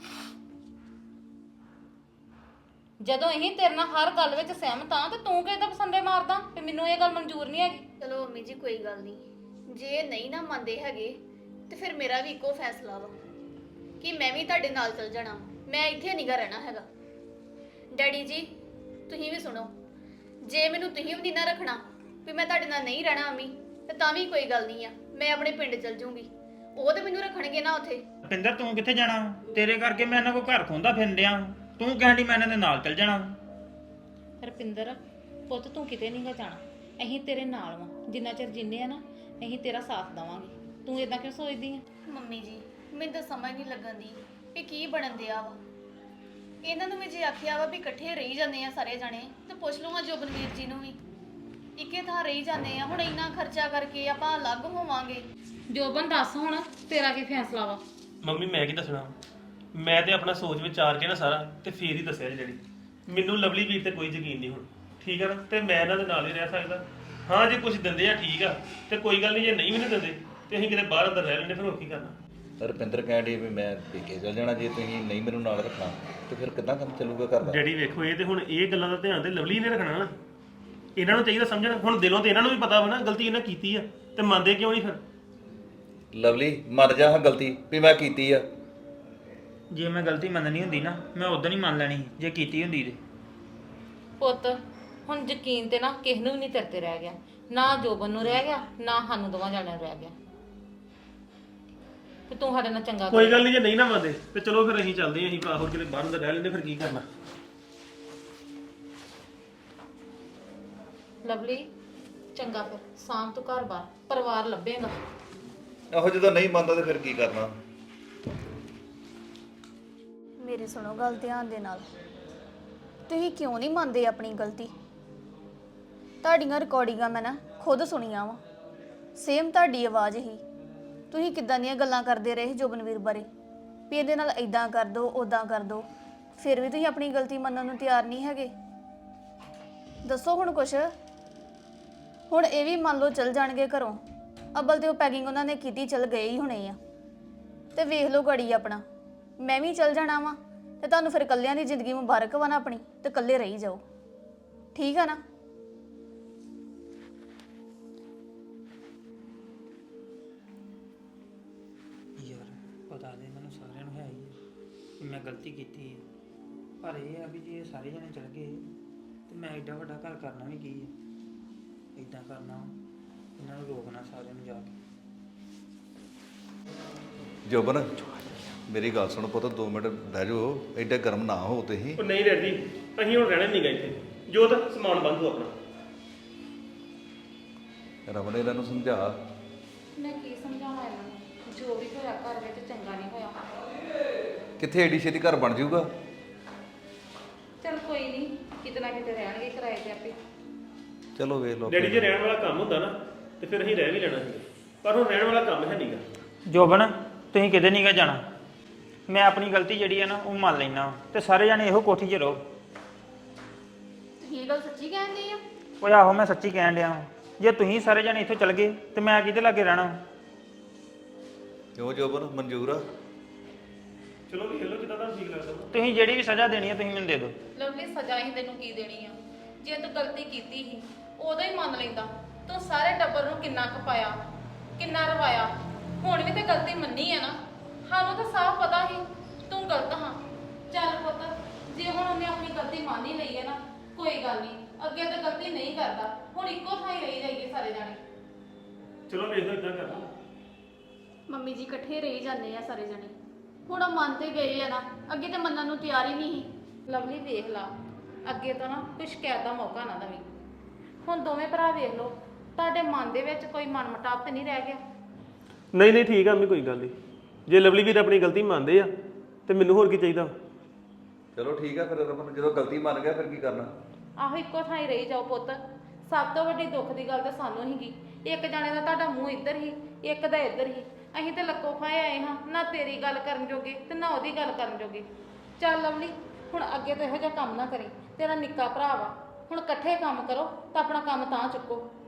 Speaker 1: ਜਦੋਂ ਅਸੀਂ ਤੇਰੇ ਨਾਲ ਹਰ ਗੱਲ ਵਿੱਚ ਸਹਿਮਤ ਆ ਤੇ ਤੂੰ ਕਿਹਦਾ ਪਸੰਦੇ ਮਾਰਦਾ ਵੀ ਮੈਨੂੰ ਇਹ ਗੱਲ ਮਨਜ਼ੂਰ ਨਹੀਂ ਹੈਗੀ।
Speaker 2: ਚਲੋ ਮੰਮੀ ਜੀ ਕੋਈ ਗੱਲ ਨਹੀਂ, ਜੇ ਨਹੀਂ ਨਾ ਮੰਨਦੇ ਹੈਗੇ ਤੇ ਫਿਰ ਮੇਰਾ ਵੀ ਇੱਕੋ ਫੈਸਲਾ ਵਾ ਕਿ ਮੈਂ ਵੀ ਤੁਹਾਡੇ ਨਾਲ ਚੱਲ ਜਾਣਾ, ਮੈਂ ਇੱਥੇ ਨਹੀਂਗਾ ਰਹਿਣਾ ਹੈਗਾ। ਡੈਡੀ ਜੀ ਤੁਸੀਂ ਵੀ ਸੁਣੋ, ਜੇ ਮੈਨੂੰ ਤੁਸੀਂ ਵੀ ਨਹੀਂ ਨਾ ਰੱਖਣਾ ਵੀ ਮੈਂ ਤੁਹਾਡੇ ਨਾਲ ਨਹੀਂ ਰਹਿਣਾ ਅਮੀ, ਤੇ ਤਾਂ ਵੀ ਕੋਈ ਗੱਲ ਨਹੀਂ ਆ, ਮੈਂ ਆਪਣੇ ਪਿੰਡ ਚੱਲ ਜੂੰਗੀ, ਉਹ ਤੇ ਮੈਨੂੰ ਰੱਖਣਗੇ ਨਾ ਉੱਥੇ।
Speaker 4: ਰੁਪਿੰਦਰ ਤੂੰ ਕਿੱਥੇ ਜਾਣਾ ਵਾ? ਤੇਰੇ ਕਰਕੇ ਮੈਂ ਇਹਨਾਂ ਕੋਲ ਘਰ ਖੋਂਦਾ ਫਿਰਨ ਡਿਆ ਵਾਂ। ਤੂੰ ਕਹਿੰਦੀ ਮੈਂ ਇਹਨਾਂ ਦੇ ਨਾਲ ਚੱਲ ਜਾਣਾ ਵਾ।
Speaker 1: ਰਪਿੰਦਰ ਪੁੱਤ ਤੂੰ ਕਿਤੇ ਨਹੀਂਗਾ ਜਾਣਾ, ਅਸੀਂ ਤੇਰੇ ਨਾਲ ਵਾਂ, ਜਿੰਨਾ ਚਿਰ ਜਿੰਨੇ ਆ ਨਾ ਅਸੀਂ ਤੇਰਾ ਸਾਥ ਦੇਵਾਂਗੇ। ਤੂੰ ਇਦਾਂ ਕਿਉਂ ਸੋਚਦੀ ਆ?
Speaker 2: ਮੰਮੀ ਜੀ ਮੈਨੂੰ ਤਾਂ ਸਮਝ ਨਹੀਂ ਲੱਗਣ ਦੀ ਵੀ ਕੀ ਬਣਨ ਦਿਆ ਵਾ। ਇਹਨਾਂ ਨੂੰ ਵੀ ਜੇ ਆਖਿਆ ਵਾ ਵੀ ਇਕੱਠੇ ਰਹੀ ਜਾਂਦੇ ਆ ਸਾਰੇ ਜਾਣੇ, ਤੇ ਪੁੱਛ ਲਵਾਂ ਜੋਬਨਵੀਰ ਜੀ ਨੂੰ ਵੀ। ਇੱਕੇ ਥਾਂ ਰਹੀ ਜਾਂਦੇ ਆ, ਹੁਣ ਇੰਨਾ ਖਰਚਾ ਕਰਕੇ ਆਪਾਂ ਅਲੱਗ ਹੋਵਾਂਗੇ।
Speaker 1: ਜੋਬਨ ਦੱਸ ਹੁਣ ਤੇਰਾ ਕੀ ਫੈਸਲਾ ਵਾ?
Speaker 5: ਮੰਮੀ ਮੈਂ ਕੀ ਦੱਸਣਾ, ਮੈਂ ਤੇ ਆਪਣਾ ਸੋਚ ਵਿਚਾਰ ਕੇ ਨਾ ਸਾਰਾ ਤੇ ਫੇਰ ਹੀ ਦੱਸਿਆ ਜੀ ਜਿਹੜੀ। ਮੈਨੂੰ ਲਵਲੀ ਵੀਰ ਤੇ ਕੋਈ ਯਕੀਨ ਨਹੀਂ ਹੁਣ, ਠੀਕ ਆ ਨਾ, ਤੇ ਮੈਂ ਇਹਨਾਂ ਦੇ ਨਾਲ ਹੀ ਰਹਿ ਸਕਦਾ। ਹਾਂ ਜੇ ਕੁਝ ਦਿੰਦੇ ਆ ਠੀਕ ਆ, ਤੇ ਕੋਈ ਗੱਲ ਨਹੀਂ, ਜੇ ਨਹੀਂ ਵੀ ਨਹੀਂ ਦਿੰਦੇ ਤੇ ਅਸੀਂ ਕਿਤੇ ਬਾਹਰ ਅੰਦਰ ਰਹਿ ਲੈਂਦੇ, ਫਿਰ ਹੋਰ ਕੀ ਕਰਨਾ।
Speaker 3: ਰੁਪਿੰਦਰ ਕਹਿਣ ਡਈ ਵੀ ਮੈਂ ਪੇਕੇ ਚੱਲ ਜਾਣਾ, ਜੇ ਤੁਸੀਂ ਨਹੀਂ ਮੈਨੂੰ ਨਾਲ ਰੱਖਣਾ ਤੇ ਫਿਰ ਕਿੱਦਾਂ ਕੰਮ ਚੱਲੂਗਾ ਘਰ ਦਾ?
Speaker 5: ਡੈਡੀ ਵੇਖੋ, ਇਹ ਤੇ ਹੁਣ ਇਹ ਗੱਲਾਂ ਦਾ ਧਿਆਨ ਤੇ ਲਵਲੀ ਨੇ ਰੱਖਣਾ ਨਾ, ਇਹਨਾਂ ਨੂੰ ਚਾਹੀਦਾ ਸਮਝਣਾ। ਹੁਣ ਦਿਲੋਂ ਤੇ ਇਹਨਾਂ ਨੂੰ ਵੀ ਪਤਾ ਵਾ ਨਾ ਗਲਤੀ ਇਹਨਾਂ ਕੀਤੀ ਆ, ਤੇ ਮੰਨਦੇ ਕਿਉਂ ਨਹੀਂ ਫਿਰ?
Speaker 3: ਲਵਲੀ ਮੰਨ ਜਾ ਹਾਂ ਗਲਤੀ ਵੀ ਮੈਂ ਕੀਤੀ ਆ।
Speaker 4: ਜੇ ਮੈਂ ਗਲਤੀ ਮੰਨਣੀ ਹੁੰਦੀ ਨਾ, ਮੈਂ ਉਦੋਂ ਹੀ ਮੰਨ ਲੈਣੀ ਸੀ, ਜੇ ਕੀਤੀ ਹੁੰਦੀ ਤੇ।
Speaker 1: ਪੁੱਤ ਹੁਣ ਯਕੀਨ ਤੇ ਨਾ ਕਿਸੇ ਨੂੰ ਵੀ ਨਹੀਂ ਤੇਰੇ ਤੇ ਰਹਿ ਗਿਆ, ਨਾ ਜੋਬਨ ਨੂੰ ਰਹਿ ਗਿਆ, ਨਾ ਸਾਨੂੰ ਦੋਵਾਂ ਜਾਣਿਆਂ ਨੂੰ ਰਹਿ ਗਿਆ। ਤੇ ਤੂੰ ਸਾਡੇ ਨਾਲ ਚੰਗਾ
Speaker 5: ਕੋਈ ਗੱਲ ਨਹੀਂ, ਜੇ ਨਹੀਂ ਨਾ ਮੰਨਦੇ ਤੇ ਚਲੋ ਫਿਰ ਅਸੀਂ ਚੱਲਦੇ ਆਂ, ਅਸੀਂ ਹੋਰ ਕਿਤੇ ਬਾਹਰ ਅੰਦਰ ਰਹਿ ਲੈਂਦੇ, ਫਿਰ ਕੀ ਕਰਨਾ।
Speaker 1: ਲਵਲੀ ਚੰਗਾ, ਫਿਰ ਸ਼ਾਮ ਤੋਂ ਘਰ ਬਾਰ ਪਰਿਵਾਰ ਲੱਭੇਗਾ।
Speaker 3: ਆਹੋ ਜਦੋਂ ਨਹੀਂ ਮੰਨਦਾ ਤੇ ਫਿਰ ਕੀ ਕਰਨਾ?
Speaker 2: ਮੇਰੀ ਸੁਣੋ ਗੱਲ ਧਿਆਨ ਦੇ ਨਾਲ, ਤੁਸੀਂ ਕਿਉਂ ਨਹੀਂ ਮੰਨਦੇ ਆਪਣੀ ਗਲਤੀ? ਤੁਹਾਡੀਆਂ ਰਿਕਾਰਡਿੰਗਾਂ ਮੈਂ ਨਾ ਖੁਦ ਸੁਣੀਆਂ ਵਾ, ਸੇਮ ਤੁਹਾਡੀ ਆਵਾਜ਼ ਹੀ। ਤੁਸੀਂ ਕਿੱਦਾਂ ਦੀਆਂ ਗੱਲਾਂ ਕਰਦੇ ਰਹੇ ਜੋਬਨਵੀਰ ਬਾਰੇ, ਵੀ ਇਹਦੇ ਨਾਲ ਇਦਾਂ ਕਰ ਦੋ ਉਦਾਂ ਕਰ ਦੋ, ਫਿਰ ਵੀ ਤੁਸੀਂ ਆਪਣੀ ਗਲਤੀ ਮੰਨਣ ਨੂੰ ਤਿਆਰ ਨਹੀਂ ਹੈਗੇ। ਦੱਸੋ ਹੁਣ ਕੁਛ। ਹੁਣ ਇਹ ਵੀ ਮੰਨ ਲਓ ਚਲ ਜਾਣਗੇ ਘਰੋਂ, ਅੱਬਲ ਤੇ ਉਹ ਪੈਕਿੰਗ ਉਹਨਾਂ ਨੇ ਕੀਤੀ, ਚਲ ਗਏ ਹੀ ਹੋਣੇ ਆ, ਤੇ ਵੇਖ ਲਓ ਗੜੀ ਆਪਣਾ। ਮੈਂ ਵੀ ਚਲ ਜਾਣਾ ਵਾ, ਤੇ ਤੁਹਾਨੂੰ ਫਿਰ ਇਕੱਲਿਆਂ ਦੀ ਜ਼ਿੰਦਗੀ ਮੁਬਾਰਕ ਵਾ ਨਾ ਆਪਣੀ, ਤੇ ਇਕੱਲੇ ਰਹੀ ਜਾਓ, ਠੀਕ ਆ ਨਾ?
Speaker 4: ਯਾਰ ਪਤਾ ਤੇ ਇਹਨਾਂ ਨੂੰ ਸਾਰਿਆਂ ਨੂੰ ਹੈ ਹੀ ਹੈ ਕਿ ਮੈਂ ਗਲਤੀ ਕੀਤੀ ਹੈ, ਪਰ ਇਹ ਆ ਵੀ ਜੇ ਇਹ ਸਾਰੇ ਜਣੇ ਚਲ ਗਏ ਤੇ ਮੈਂ ਐਡਾ ਵੱਡਾ ਘਰ ਕਰਨਾ ਵੀ ਕੀ ਹੈ। ਇੱਦਾਂ ਕਰਨਾ, ਇਹਨਾਂ ਨੂੰ ਰੋਕਣਾ ਸਾਰਿਆਂ ਨੂੰ ਜਾ ਕੇ।
Speaker 3: ਜੋਬਨ ਮੇਰੀ ਗੱਲ ਸੁਣ ਪੁੱਤ, 2 ਮਿੰਟ ਬਹਿ ਜਾਓ, ਐਡਾ ਗਰਮ ਨਾ ਹੋ ਤੁਸੀਂ।
Speaker 5: ਉਹ ਨਹੀਂ ਡੈਡੀ, ਅਸੀਂ ਹੁਣ ਰਹਿਣਾ ਨਹੀਂ ਗਾ ਇੱਥੇ, ਜੋ ਤਾਂ ਸਮਾਨ ਬੰਦੂ ਆਪਣਾ।
Speaker 3: ਰਮਨ ਇਹਨਾਂ ਨੂੰ ਸਮਝਾ।
Speaker 1: ਮੈਂ ਕੀ ਸਮਝਾਵਾਂ ਇਹਨਾਂ ਨੂੰ, ਜੋ ਵੀ ਹੋਇਆ ਘਰ ਵਿੱਚ ਚੰਗਾ ਨਹੀਂ ਹੋਇਆ।
Speaker 3: ਕਿੱਥੇ ਐਡੀ ਛੇਤੀ ਘਰ ਬਣ ਜਾਊਗਾ?
Speaker 1: ਚਲ ਕੋਈ ਨਹੀਂ, ਕਿਤੇ ਨਾ ਕਿਤੇ ਰਹਿਣਗੇ ਕਿਰਾਏ ਤੇ ਆਪੇ।
Speaker 3: ਚਲੋ ਵੇਖ ਲਓ।
Speaker 5: ਡੈਡੀ ਜੇ ਰਹਿਣ ਵਾਲਾ ਕੰਮ ਹੁੰਦਾ ਨਾ ਤੇ ਫਿਰ ਅਸੀਂ ਰਹਿ ਵੀ ਲੈਣਾ ਸੀ, ਪਰ ਹੁਣ ਰਹਿਣ ਵਾਲਾ ਕੰਮ ਹੈ ਨਹੀਂਗਾ।
Speaker 4: ਜੋਬਨ ਤੁਸੀਂ ਕਿਤੇ ਨਹੀਂ ਗਾ ਜਾਣਾ, ਮੈਂ ਆਪਣੀ ਗਲਤੀ ਜਿਹੜੀ ਹੈ ਨਾ ਉਹ ਮੰਨ ਲੈਣਾ, ਤੇ ਸਾਰੇ ਜਾਣੇ ਇਹੋ ਕੋਠੀ 'ਚ ਰਹੋ।
Speaker 2: ਤੁਸੀਂ ਇਹ ਗੱਲ ਸੱਚੀ ਕਹਿੰਦੇ ਆ?
Speaker 4: ਓਏ ਆਹੋ ਮੈਂ ਸੱਚੀ ਕਹਿਣ ਡਿਆ ਵਾਂ। ਜੇ ਤੁਸੀਂ ਸਾਰੇ ਜਾਣੇ ਇੱਥੋਂ ਚਲ ਗਏ ਤੇ ਮੈਂ ਕਿਹਦੇ ਲਾਗੇ ਰਹਿਣਾ?
Speaker 3: ਕਿਉਂ ਜੋਬਨ ਮਨਜ਼ੂਰ ਆ?
Speaker 5: ਚਲੋ ਵੇਖ ਲਓ ਜਿੱਦਾਂ ਤੁਹਾਨੂੰ ਠੀਕ ਲੱਗਦਾ।
Speaker 4: ਤੁਸੀਂ ਜਿਹੜੀ ਵੀ ਸਜ਼ਾ ਦੇਣੀ ਹੈ ਤੁਸੀਂ ਮੈਨੂੰ ਦੇ ਦਿਓ।
Speaker 1: ਲਵਲੀ ਸਜ਼ਾ ਹੀ ਤੈਨੂੰ ਕੀ ਦੇਣੀ ਆ? ਜੇ ਤੂੰ ਗਲਤੀ ਕੀਤੀ ਸੀ ਉਦੋਂ ਹੀ ਮੰਨ ਲੈਂਦਾ। ਤੂੰ ਸਾਰੇ ਟੱਬਰ ਨੂੰ ਕਿੰਨਾ ਖਪਾਇਆ, ਕਿੰਨਾ ਰਵਾਇਆ, ਹੁਣ ਵੀ ਤੇ ਗਲਤੀ ਮੰਨੀ ਆ ਨਾ। ਸਾਨੂੰ ਤਾਂ ਸਾਫ਼ ਪਤਾ ਸੀ ਤੂੰ ਗਲਤ ਹਾਂ। ਚੱਲ ਪੁੱਤ, ਜੇ ਹੁਣ ਉਹਨੇ ਆਪਣੀ ਗਲਤੀ ਮੰਨ ਹੀ ਲਈ ਹੈ ਨਾ, ਕੋਈ ਗੱਲ ਨਹੀਂ, ਅੱਗੇ ਤਾਂ ਗਲਤੀ ਨਹੀਂ ਕਰਦਾ। ਹੁਣ ਇੱਕੋ ਥਾਂ ਹੀ ਰਹੀ ਜਾਈਏ ਸਾਰੇ ਜਾਣੇ।
Speaker 5: ਚਲੋ ਵੇਖ ਲਓ, ਇਦਾਂ ਕਰ ਲਓ।
Speaker 2: ਮੰਮੀ ਜੀ ਇਕੱਠੇ ਰਹੀ ਜਾਂਦੇ ਆ ਸਾਰੇ ਜਣੇ, ਹੁਣ ਉਹ ਮੰਨ ਤੇ ਗਏ ਆ ਨਾ, ਅੱਗੇ ਤੇ ਮੰਨਣ ਨੂੰ ਤਿਆਰ ਹੀ ਨਹੀਂ ਸੀ।
Speaker 1: ਲਵਲੀ ਵੇਖ ਲਾ, ਅੱਗੇ ਤੋਂ ਨਾ ਕੋਈ ਸ਼ਿਕਾਇਤ ਦਾ ਮੌਕਾ ਨਾ ਦੇਵੀਂ। ਹੁਣ ਦੋਵੇਂ ਭਰਾ ਵੇਖ ਲਓ, ਤੁਹਾਡੇ ਮਨ ਦੇ ਵਿੱਚ ਕੋਈ ਮਨਮਟਾਵ ਤੇ ਨਹੀਂ ਰਹਿ ਗਿਆ?
Speaker 5: ਨਹੀਂ ਨਹੀਂ ਠੀਕ ਆ ਮੈਂ, ਕੋਈ ਗੱਲ ਨਹੀਂ। ਜੇ ਲਵਲੀ ਵੀਰ ਆਪਣੀ ਗਲਤੀ ਮੰਨਦੇ ਆ ਤੇ ਮੈਨੂੰ ਹੋਰ ਕੀ ਚਾਹੀਦਾ?
Speaker 3: ਚਲੋ ਠੀਕ ਆ ਫਿਰ ਰਮਨ, ਜਦੋਂ ਗਲਤੀ ਮੰਨ ਗਿਆ ਫਿਰ ਕੀ ਕਰਨਾ?
Speaker 1: ਆਹੋ ਇੱਕੋ ਥਾਂ ਹੀ ਰਹੀ ਜਾਓ ਪੁੱਤ। ਸਭ ਤੋਂ ਵੱਡੀ ਦੁੱਖ ਦੀ ਗੱਲ ਤਾਂ ਸਾਨੂੰ ਹੀਗੀ, ਇੱਕ ਜਾਣੇ ਦਾ ਤੁਹਾਡਾ ਮੂੰਹ ਇੱਧਰ ਹੀ, ਇੱਕ ਦਾ ਇੱਧਰ ਹੀ। ਅਸੀਂ ਤੇ ਲੱਕੋ ਫਾਏ ਆਏ ਹਾਂ, ਨਾ ਤੇਰੀ ਗੱਲ ਕਰਨ ਜੋਗੇ ਤੇ ਨਾ ਉਹਦੀ ਗੱਲ ਕਰਨ ਜੋਗੇ। ਚੱਲ ਲਵਲੀ, ਹੁਣ ਅੱਗੇ ਤੋਂ ਇਹੋ ਜਿਹਾ ਕੰਮ ਨਾ ਕਰੀ, ਤੇਰਾ ਨਿੱਕਾ ਭਰਾ ਵਾ। ਹੁਣ ਇਕੱਠੇ ਕੰਮ ਕਰੋ ਤਾਂ ਆਪਣਾ ਕੰਮ ਤਾਂ ਚੁੱਕੋ।